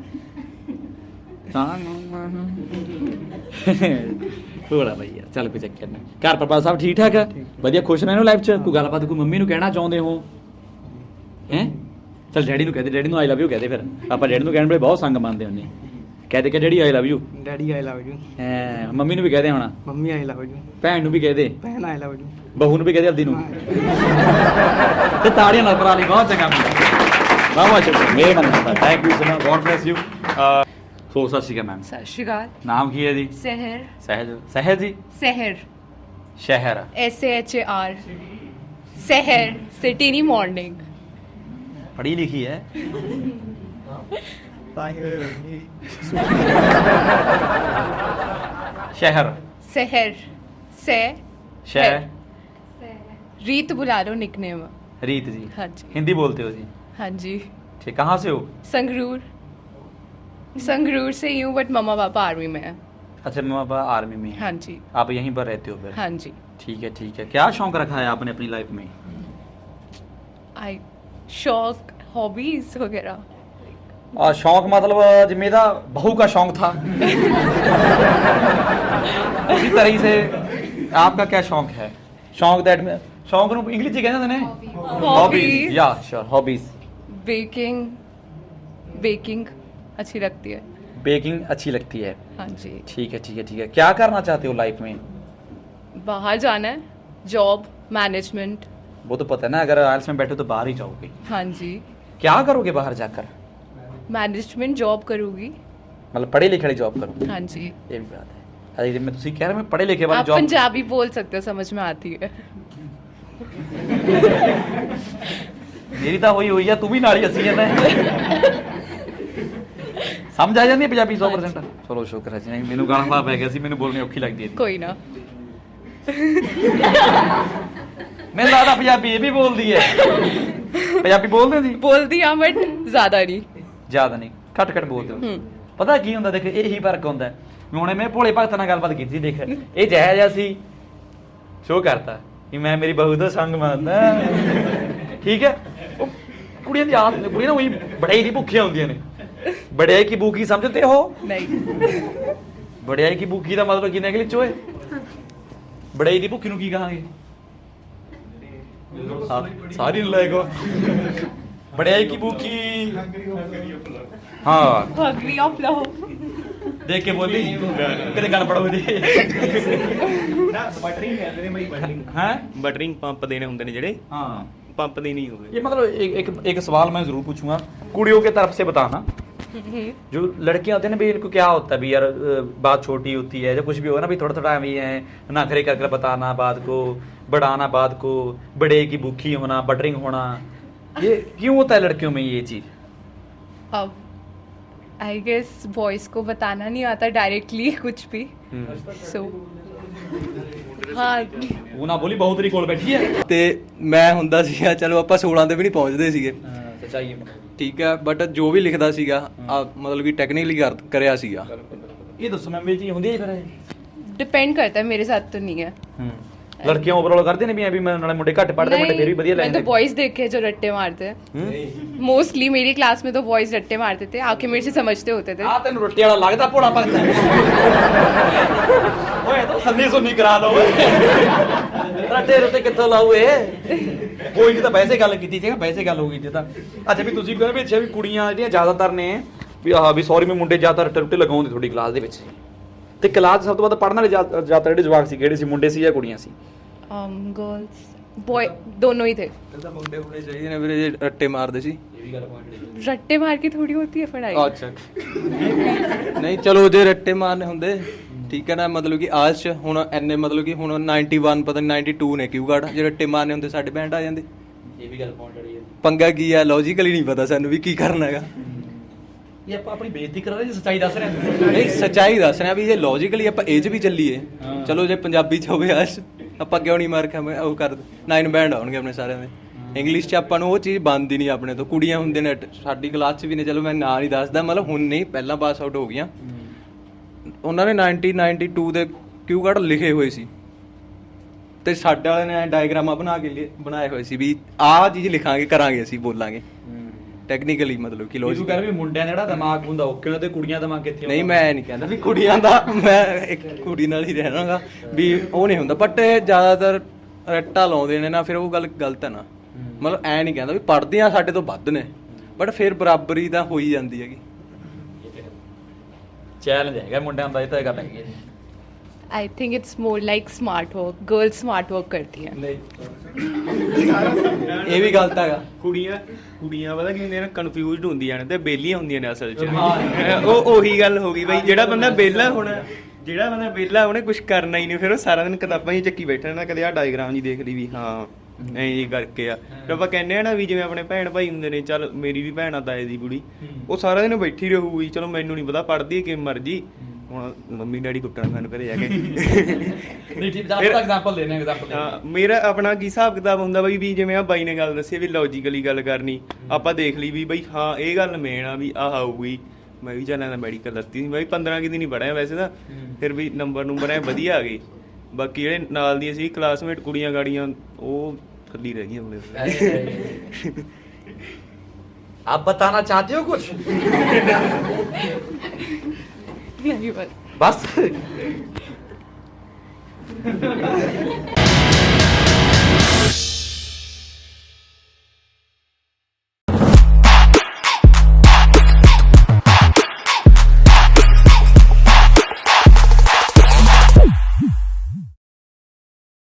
S1: ਥੋੜਾ ਬਈ ਯਾਰ, ਚੱਲ ਕੋਈ ਚੱਕਰ ਨਹੀਂ। ਘਰ ਪਰਿਵਾਰ ਸਭ ਠੀਕ ਠਾਕ ਹੈ? ਵਧੀਆ, ਖੁਸ਼ ਰਹਿਣਾ ਲਾਈਫ 'ਚ? ਕੋਈ ਗੱਲਬਾਤ ਕੋਈ ਮੰਮੀ ਨੂੰ ਕਹਿਣਾ ਚਾਹੁੰਦੇ ਹੋ? ਹੈ ਚੱਲ ਡੈਡੀ ਨੂੰ ਕਹਦੇ, ਡੈਡੀ ਨੂੰ ਆਈ ਲਵ ਯੂ ਕਹਦੇ। ਫਿਰ ਆਪਾਂ ਡੈਡੀ ਨੂੰ ਕਹਿਣ ਵੇਲੇ ਬਹੁਤ ਸੰਗ ਮੰਨਦੇ ਹੁੰਦੇ, ਕਹਦੇ ਕਿ daddy I love you.
S5: Daddy I love you.
S1: Mummy ਨੂੰ ਵੀ ਕਹਦੇ ਹੋਣਾ,
S5: ਮੰਮੀ ਆਈ ਲਵ ਯੂ।
S1: ਭੈਣ ਨੂੰ ਵੀ ਕਹਦੇ,
S5: ਭੈਣ ਆਈ ਲਵ ਯੂ।
S1: ਬਹੂ ਨੂੰ ਵੀ ਕਹਦੇ, ਆਪਦੀ ਨੂੰ। ਤੇ ਤਾੜੀਆਂ ਨਾਲ ਭਰਾ ਲਈ ਬਹੁਤ ਚੰਗਾ ਮੁੰਡਾ, ਬਹੁਤ ਸ਼ੁਕਰ, ਮੇਰੇ ਮਨ ਦਾ। Thank you so much, god bless you. So ਸਤਿ ਸ਼੍ਰੀ ਅਕਾਲ ਮੈਮ।
S3: ਸਤਿ ਸ਼੍ਰੀ ਅਕਾਲ।
S1: ਨਾਮ ਕੀ ਹੈ ਜੀ?
S3: ਸਹਿਰ।
S1: ਸਹਿਜ। ਸਹਿਜ ਜੀ?
S3: ਸਹਿਰ।
S1: ਸ਼ਹਿਰ।
S3: SAHAR। ਸਹਿਰ, ਸਿਟੀ ਨਹੀਂ ਮਾਰਨਿੰਗ।
S1: ਪੜ੍ਹੀ ਲਿਖੀ ਹੈ? ਸ਼ਹਿਰ।
S3: ਸਹਿਰ। ਸਹਿ।
S1: शहर।
S3: रीत बुला लो निकनेम।
S1: रीत जी?
S3: हाँ जी।
S1: हिंदी बोलते हो जी?
S3: हाँ जी।
S1: ठीक, कहाँ से हो?
S3: संगरूर। संगरूर से ही हूँ, बट मम्मा पापा आर्मी में है।
S1: अच्छा, मम्मा पापा आर्मी में हैं।
S3: हाँ जी।
S1: आप यहीं पर रहते हो फिर?
S3: हाँ जी।
S1: ठीक है, ठीक है। क्या शौक रखा है आपने अपनी लाइफ में?
S3: आई शौक, हॉबीज वगैरह।
S1: शौक मतलब जिम्मे दा बहू का शौक था उसी तरह से आपका क्या शौक है? शौक दैट में शौक ਨੂੰ ਇੰਗਲਿਸ਼ ਚ ਕਹਿੰਦੇ ਨੇ
S3: हॉबीज।
S1: या श्योर, हॉबीज।
S3: बेकिंग। बेकिंग अच्छी लगती है।
S1: बेकिंग अच्छी लगती है?
S3: हाँ जी।
S1: ठीक है, ठीक है, ठीक है। क्या करना चाहते हो लाइफ में?
S3: बाहर जाना है, जॉब, मैनेजमेंट।
S1: वो तो पता है ना, अगर आइल्स में बैठे तो बाहर ही जाओगे।
S3: हाँ जी।
S1: क्या करोगे बाहर जाकर?
S3: मैनेजमेंट जॉब करूँगी।
S1: मतलब पढ़े लिखे वाली जॉब करोगे?
S3: हाँ जी।
S1: ये भी बात है। अरे मैं तुसी कह रहा मैं पढ़े लिखे वाली
S3: आप
S1: जॉब।
S3: पंजाबी बोल सकते हो, समझ में आती है।
S1: मेरी तो हुई हुई है, तू भी नाल ही हसी जाता है। समझ आ जाती है पंजाबी 100%? चलो शुक्र है जी। नहीं मैनू गाना पा गया सी, मैनू बोलनी औखी लगती है।
S3: कोई ना।
S1: मैं लगता पंजाबी ये भी बोलती है। पंजाबी बोलते जी?
S3: बोल दिया बट ज्यादा नहीं।
S1: ज्यादा नहीं, घट घट बोलते हो। पता की हुंदा, देख यही फर्क हुंदा है। हुणे मैं भोले भगत नाल गलबात कीती, देख ये जहा जिहा सी शो करता, ਕਿ ਮੈਂ ਮੇਰੀ ਬਹੂ ਦਾ ਸੰਗ ਮੰਨਦਾ। ਠੀਕ ਹੈ, ਉਹ ਕੁੜੀਆਂ ਦੀ ਆਦਤ, ਕੁੜੀਆਂ ਨਾ ਉਹੀ ਬੜਾਈ ਦੀ ਭੁੱਖੀਆਂ ਹੁੰਦੀਆਂ ਨੇ। ਬੜਾਈ ਕੀ ਭੁੱਖੀ ਸਮਝਦੇ ਹੋ?
S3: नहीं
S1: ਬੜਾਈ ਕੀ ਭੁੱਖੀ ਦਾ ਮਤਲਬ ਕੀ ਨਿਕਲੇ ਚੋਏ? ਬੜਾਈ ਦੀ ਭੁੱਖੀ ਨੂੰ ਕੀ ਕਹਾਂਗੇ? ਸਾਰੀ ਲੈ ਕੋ ਬੜਾਈ ਕੀ ਭੁੱਖੀ। ਹਾਂ
S3: hungry of love
S1: ਦੇਖ ਕੇ ਬੋਲੀ ਕਿਤੇ ਗੱਲ ਪੜੋ ਜੀ।
S6: ਬਟਰਿੰਗ ਕਹਿੰਦੇ ਨੇ ਬਈ, ਬਟਰਿੰਗ
S1: ਹੈ
S6: ਬਟਰਿੰਗ ਪੰਪ ਦੇਣੇ ਹੁੰਦੇ ਨੇ ਜਿਹੜੇ,
S1: हाँ,
S6: पंप देने ही होंगे।
S1: ये मतलब एक सवाल मैं जरूर पूछूंगा कुड़ियों के तरफ से बताना। जो लड़कियां होती है ना भी, इनको क्या होता है भी यार, बात छोटी होती है, जब कुछ भी होगा ना भी थोड़ा थोड़ा भी है नखरे कर बताना बात को, बढ़ाना बात को, बड़े की भूखी होना, बटरिंग होना, ये क्यों होता है लड़कियों में ये चीज?
S3: अब आई गेस बॉयज को बताना नहीं आता डायरेक्टली कुछ भी, सो हाँ
S1: वो ना बोली बहुत तेरी कोल बैठी है।
S4: ਤੇ ਮੈਂ ਹੁੰਦਾ ਸੀਗਾ, ਚਲੋ ਆਪਾਂ 16 ਤੇ ਵੀ ਨਹੀਂ ਪਹੁੰਚਦੇ ਸੀਗੇ,
S1: सच्चाई है।
S4: ਠੀਕ ਹੈ, ਬਟ ਜੋ ਵੀ ਲਿਖਦਾ ਸੀਗਾ ਮਤਲਬ ਕਿ ਟੈਕਨੀਕਲੀ ਕਰਿਆ ਸੀਗਾ।
S1: ये दसो मैम, ये चीज होंदी है फिर?
S3: डिपेंड करता है, मेरे साथ तो नहीं है।
S1: लड़कियां ओवरऑल करदे ने भी मैं नाले मुंडे घट पढ़दे, मुंडे फिर भी बढ़िया
S3: मैंने
S1: लेंदे।
S3: तो बॉयज देखे जो रट्टे मारते हैं, मोस्टली मेरी क्लास में तो बॉयज रट्टे मारते थे, आके मेरे से समझते होते थे।
S1: ਆ ਤੈਨੂੰ ਰੋਟੀ ਵਾਲਾ ਲੱਗਦਾ ਭੋਲਾ ਭਗਤ ਓਏ ਤਾਂ ਸੰਨੀ ਸੁਣੀ ਕਰਾ ਲਓ ਰੱਟੇ ਰੁੱਤੇ ਕਿੱਥੋਂ ਲਾਉ ਇਹ? ਕੋਈ ਨਹੀਂ, ਤਾਂ ਵੈਸੇ ਗੱਲ ਕੀਤੀ ਜੇਗਾ, ਵੈਸੇ ਗੱਲ ਹੋ ਗਈ ਜੇ ਤਾਂ। ਅੱਛਾ ਵੀ ਤੁਸੀਂ ਕਹਿੰਦੇ ਵੀ ਅੱਛਾ ਵੀ ਕੁੜੀਆਂ ਜਿਹੜੀਆਂ ਜ਼ਿਆਦਾਤਰ ਨੇ ਵੀ ਆਹ ਵੀ ਸੌਰੀ ਮੈਂ ਮੁੰਡੇ ਜ਼ਿਆਦਾ ਰੱਟੇ ਰੁੱਟੇ ਲਗਾਉਂਦੇ ਤੁਹਾਡੀ ਕਲਾਸ ਦੇ ਵਿੱਚ, ਤੇ ਕਲਾਸ ਸਭ ਤੋਂ ਵੱਧ ਪੜ੍ਹਨ ਵਾਲੇ ਜ਼ਿਆਦਾਤਰ ਜਿਹੜੇ ਜਵਾਕ ਸੀ ਕਿਹੜੇ ਸੀ, ਮੁੰਡੇ ਸੀ ਜਾਂ ਕੁੜੀਆਂ ਸੀ?
S3: गर्ल्स बॉय दोनों ही थे।
S4: ਤਾਂ ਮੁੰਡੇ ਹੋਣੇ ਚਾਹੀਦੇ ਨੇ ਵੀਰੇ, ਜੇ ਰੱਟੇ ਮਾਰਦੇ ਸੀ।
S3: रट्टे मार की थोड़ी होती है पढ़ाई।
S4: ਅੱਛਾ ਨਹੀਂ ਚਲੋ ਜੇ ਰੱਟੇ ਮਾਰਨੇ ਹੁੰਦੇ, ਠੀਕ ਹੈ ਨਾ, ਮਤਲਬ ਕਿ ਆਜ ਚ ਹੁਣ ਐਨੇ ਮਤਲਬ ਕਿ ਹੁਣ 91 ਪਤਾ ਨਹੀਂ 92 ਨੇ ਕਿਊ ਗਾਰਡ, ਜੇ ਰੱਟੇ ਮਾਰਨੇ ਹੁੰਦੇ ਸਾਡੇ ਬੈਂਡ ਆ ਜਾਂਦੇ।
S1: ਇਹ ਵੀ ਗੱਲ ਪੁਆਇੰਟ ਵਾਲੀ ਹੈ।
S4: ਪੰਗਾ ਕੀ ਆ, ਲੌਜੀਕਲੀ ਨਹੀਂ ਪਤਾ ਸਾਨੂੰ ਵੀ ਕੀ ਕਰਨਾ ਹੈਗਾ।
S1: ਇਹ ਆਪਾਂ ਆਪਣੀ ਬੇਇੱਜ਼ਤੀ ਕਰਾ ਰਹੇ ਜੀ, ਸੱਚਾਈ ਦੱਸ ਰਹੇ ਹਾਂ।
S4: ਨਹੀਂ ਸੱਚਾਈ ਦੱਸ ਰਿਹਾ ਵੀ ਜੇ ਲੌਜੀਕਲੀ ਆਪਾਂ ਇਹ 'ਚ ਵੀ ਚੱਲੀਏ, ਚਲੋ ਜੇ ਪੰਜਾਬੀ 'ਚ ਹੋਵੇ ਆਜ ਆਪਾਂ ਕਿਉਂ ਨਹੀਂ ਮਾਰ ਕੇ ਉਹ ਕਰ 9 ਬੈਂਡ ਆਉਣਗੇ ਆਪਣੇ ਸਾਰਿਆਂ ਦੇ। ਇੰਗਲਿਸ਼ 'ਚ ਆਪਾਂ ਨੂੰ ਉਹ ਚੀਜ਼ ਬਣਦੀ ਨਹੀਂ ਆਪਣੇ ਤੋਂ। ਕੁੜੀਆਂ ਹੁੰਦੇ ਨੇ ਸਾਡੀ ਕਲਾਸ 'ਚ ਵੀ ਨੇ, ਚਲੋ ਮੈਂ ਨਾਂ ਨਹੀਂ ਦੱਸਦਾ, ਮਤਲਬ ਹੁਣ ਨਹੀਂ, ਪਹਿਲਾਂ ਪਾਸ ਆਊਟ ਹੋ ਗਈਆਂ, ਉਹਨਾਂ ਨੇ 92 ਦੇ ਕਿਊ ਕਾਰਡ ਲਿਖੇ ਹੋਏ ਸੀ, ਤੇ ਸਾਡੇ ਵਾਲਿਆਂ ਨੇ ਡਾਇਗਰਾਮਾਂ ਬਣਾ ਕੇ ਬਣਾਏ ਹੋਏ ਸੀ ਵੀ ਆਹ ਚੀਜ਼ ਲਿਖਾਂਗੇ, ਕਰਾਂਗੇ, ਅਸੀਂ ਬੋਲਾਂਗੇ ਟੈਕਨੀਕਲੀ, ਮਤਲਬ ਕਿ
S1: ਤੂੰ
S4: ਲੌਜੀਕ।
S1: ਕਹਿ ਰਿਹਾ ਵੀ ਮੁੰਡਿਆਂ ਦਾ ਜਿਹੜਾ ਦਿਮਾਗ ਹੁੰਦਾ ਓਕੇ ਹੁੰਦਾ, ਤੇ ਕੁੜੀਆਂ ਦਾ ਦਿਮਾਗ ਕਿੱਥੇ?
S4: ਨਹੀਂ ਮੈਂ ਨਹੀਂ ਕਹਿੰਦਾ ਵੀ ਕੁੜੀਆਂ ਦਾ, ਮੈਂ ਇੱਕ ਕੁੜੀ ਨਾਲ ਹੀ ਰਹਿਣਾਗਾ ਵੀ ਉਹ ਨਹੀਂ ਹੁੰਦਾ, ਬਟ ਜ਼ਿਆਦਾਤਰ ਰੱਟਾ ਲਾਉਂਦੇ ਨੇ ਨਾ, ਫਿਰ ਉਹ ਗੱਲ ਗਲਤ ਹੈ ਨਾ। ਮਤਲਬ ਐ ਨਹੀਂ ਕਹਿੰਦਾ ਵੀ ਪੜ੍ਹਦੀਆਂ ਸਾਡੇ ਤੋਂ ਵੱਧ ਨੇ, ਬਟ ਫਿਰ ਬਰਾਬਰੀ ਤਾਂ ਹੋ ਹੀ ਜਾਂਦੀ ਹੈਗੀ।
S1: ਚੈਲੰਜ ਹੈਗਾ ਮੁੰਡਿਆਂ ਦਾ, ਇਹ ਤਾਂ ਗੱਲ ਹੈਗੀ ਹੈ।
S3: I think it's more like smart work, girls smart work करती हैं।
S4: ਇਹ ਵੀ ਗਲਤ ਹੈਗਾ।
S6: ਕੁੜੀਆਂ ਪਤਾ ਕੀ ਹੁੰਦੀਆਂ ਨੇ, ਕਨਫਿਊਜ਼ਡ ਹੁੰਦੀਆਂ ਨੇ ਤੇ ਬੇਲੀਆਂ ਹੁੰਦੀਆਂ ਨੇ ਅਸਲ 'ਚ। ਉਹ ਉਹੀ ਗੱਲ ਹੋ ਗਈ ਬਈ, ਜਿਹੜਾ ਬੰਦਾ ਵਿਹਲਾ ਉਹਨੇ ਕੁਝ ਕਰਨਾ ਹੀ ਨਹੀਂ, ਫਿਰ ਉਹ ਸਾਰਾ ਦਿਨ ਕਿਤਾਬਾਂ ਹੀ ਚੱਕੀ ਬੈਠਾ ਨਾ, ਕਦੇ ਆਹ ਡਾਇਗਰਾਮ ਜੀ ਦੇਖ ਲਈ ਵੀ ਹਾਂ ਐਂ ਜੀ ਕਰਕੇ ਆ। ਫਿਰ ਆਪਾਂ ਕਹਿੰਦੇ ਆ ਨਾ ਵੀ ਜਿਵੇਂ ਆਪਣੇ ਭੈਣ ਭਾਈ ਹੁੰਦੇ ਨੇ, ਚੱਲ ਮੇਰੀ ਵੀ ਭੈਣ ਆ ਤਾਏ ਦੀ ਕੁੜੀ, ਉਹ ਸਾਰਾ ਦਿਨ ਬੈਠੀ ਰਹੂਗੀ, ਚਲੋ ਮੈਨੂੰ ਨਹੀਂ ਪਤਾ ਪੜ੍ਹਦੀ ਹੈ ਕਿਵੇਂ ਮਰਜੀ, ਹੁਣ ਮੰਮੀ ਡੈਡੀ ਕੁੱਟਣ ਮੈਨੂੰ ਘਰੇ ਜਾ ਕੇ।
S1: ਨਹੀਂ ਠੀਕ, ਆਪਾਂ ਐਗਜ਼ਾਮਪਲ ਦੇਣੇ, ਐਗਜ਼ਾਮਪਲ
S6: ਹਾਂ, ਮੇਰਾ ਆਪਣਾ ਕੀ ਹਿਸਾਬ ਕਿਤਾਬ ਹੁੰਦਾ ਬਈ, ਵੀ ਜਿਵੇਂ ਆ ਬਾਈ ਨੇ ਗੱਲ ਦੱਸੀ ਵੀ ਲੌਜੀਕਲੀ ਗੱਲ ਕਰਨੀ, ਆਪਾਂ ਦੇਖ ਲਈ ਵੀ ਬਈ ਹਾਂ ਇਹ ਗੱਲ ਮੇਨ ਆ ਵੀ ਆਹ ਆਊਗੀ। ਮੈਂ ਵੀ ਚੱਲਾਂ ਮੈਡੀਕਲ ਲੱਤੀ ਸੀ ਬਾਈ, 15 ਕਿ ਦਿਨ ਹੀ ਪੜ੍ਹਿਆ ਵੈਸੇ ਤਾਂ, ਫਿਰ ਵੀ ਨੰਬਰ ਐ ਵਧੀਆ ਆ ਗਏ। ਬਾਕੀ ਜਿਹੜੇ ਨਾਲ ਦੀਆਂ ਸੀ ਕਲਾਸਮੇਟ ਕੁੜੀਆਂ ਗਾੜੀਆਂ, ਉਹ ਥੱਲੀ ਰਹਿ ਗਈਆਂ ਆਪਣੇ।
S1: आप बताना चाहते हो कुछ?
S3: नहीं बस
S1: बस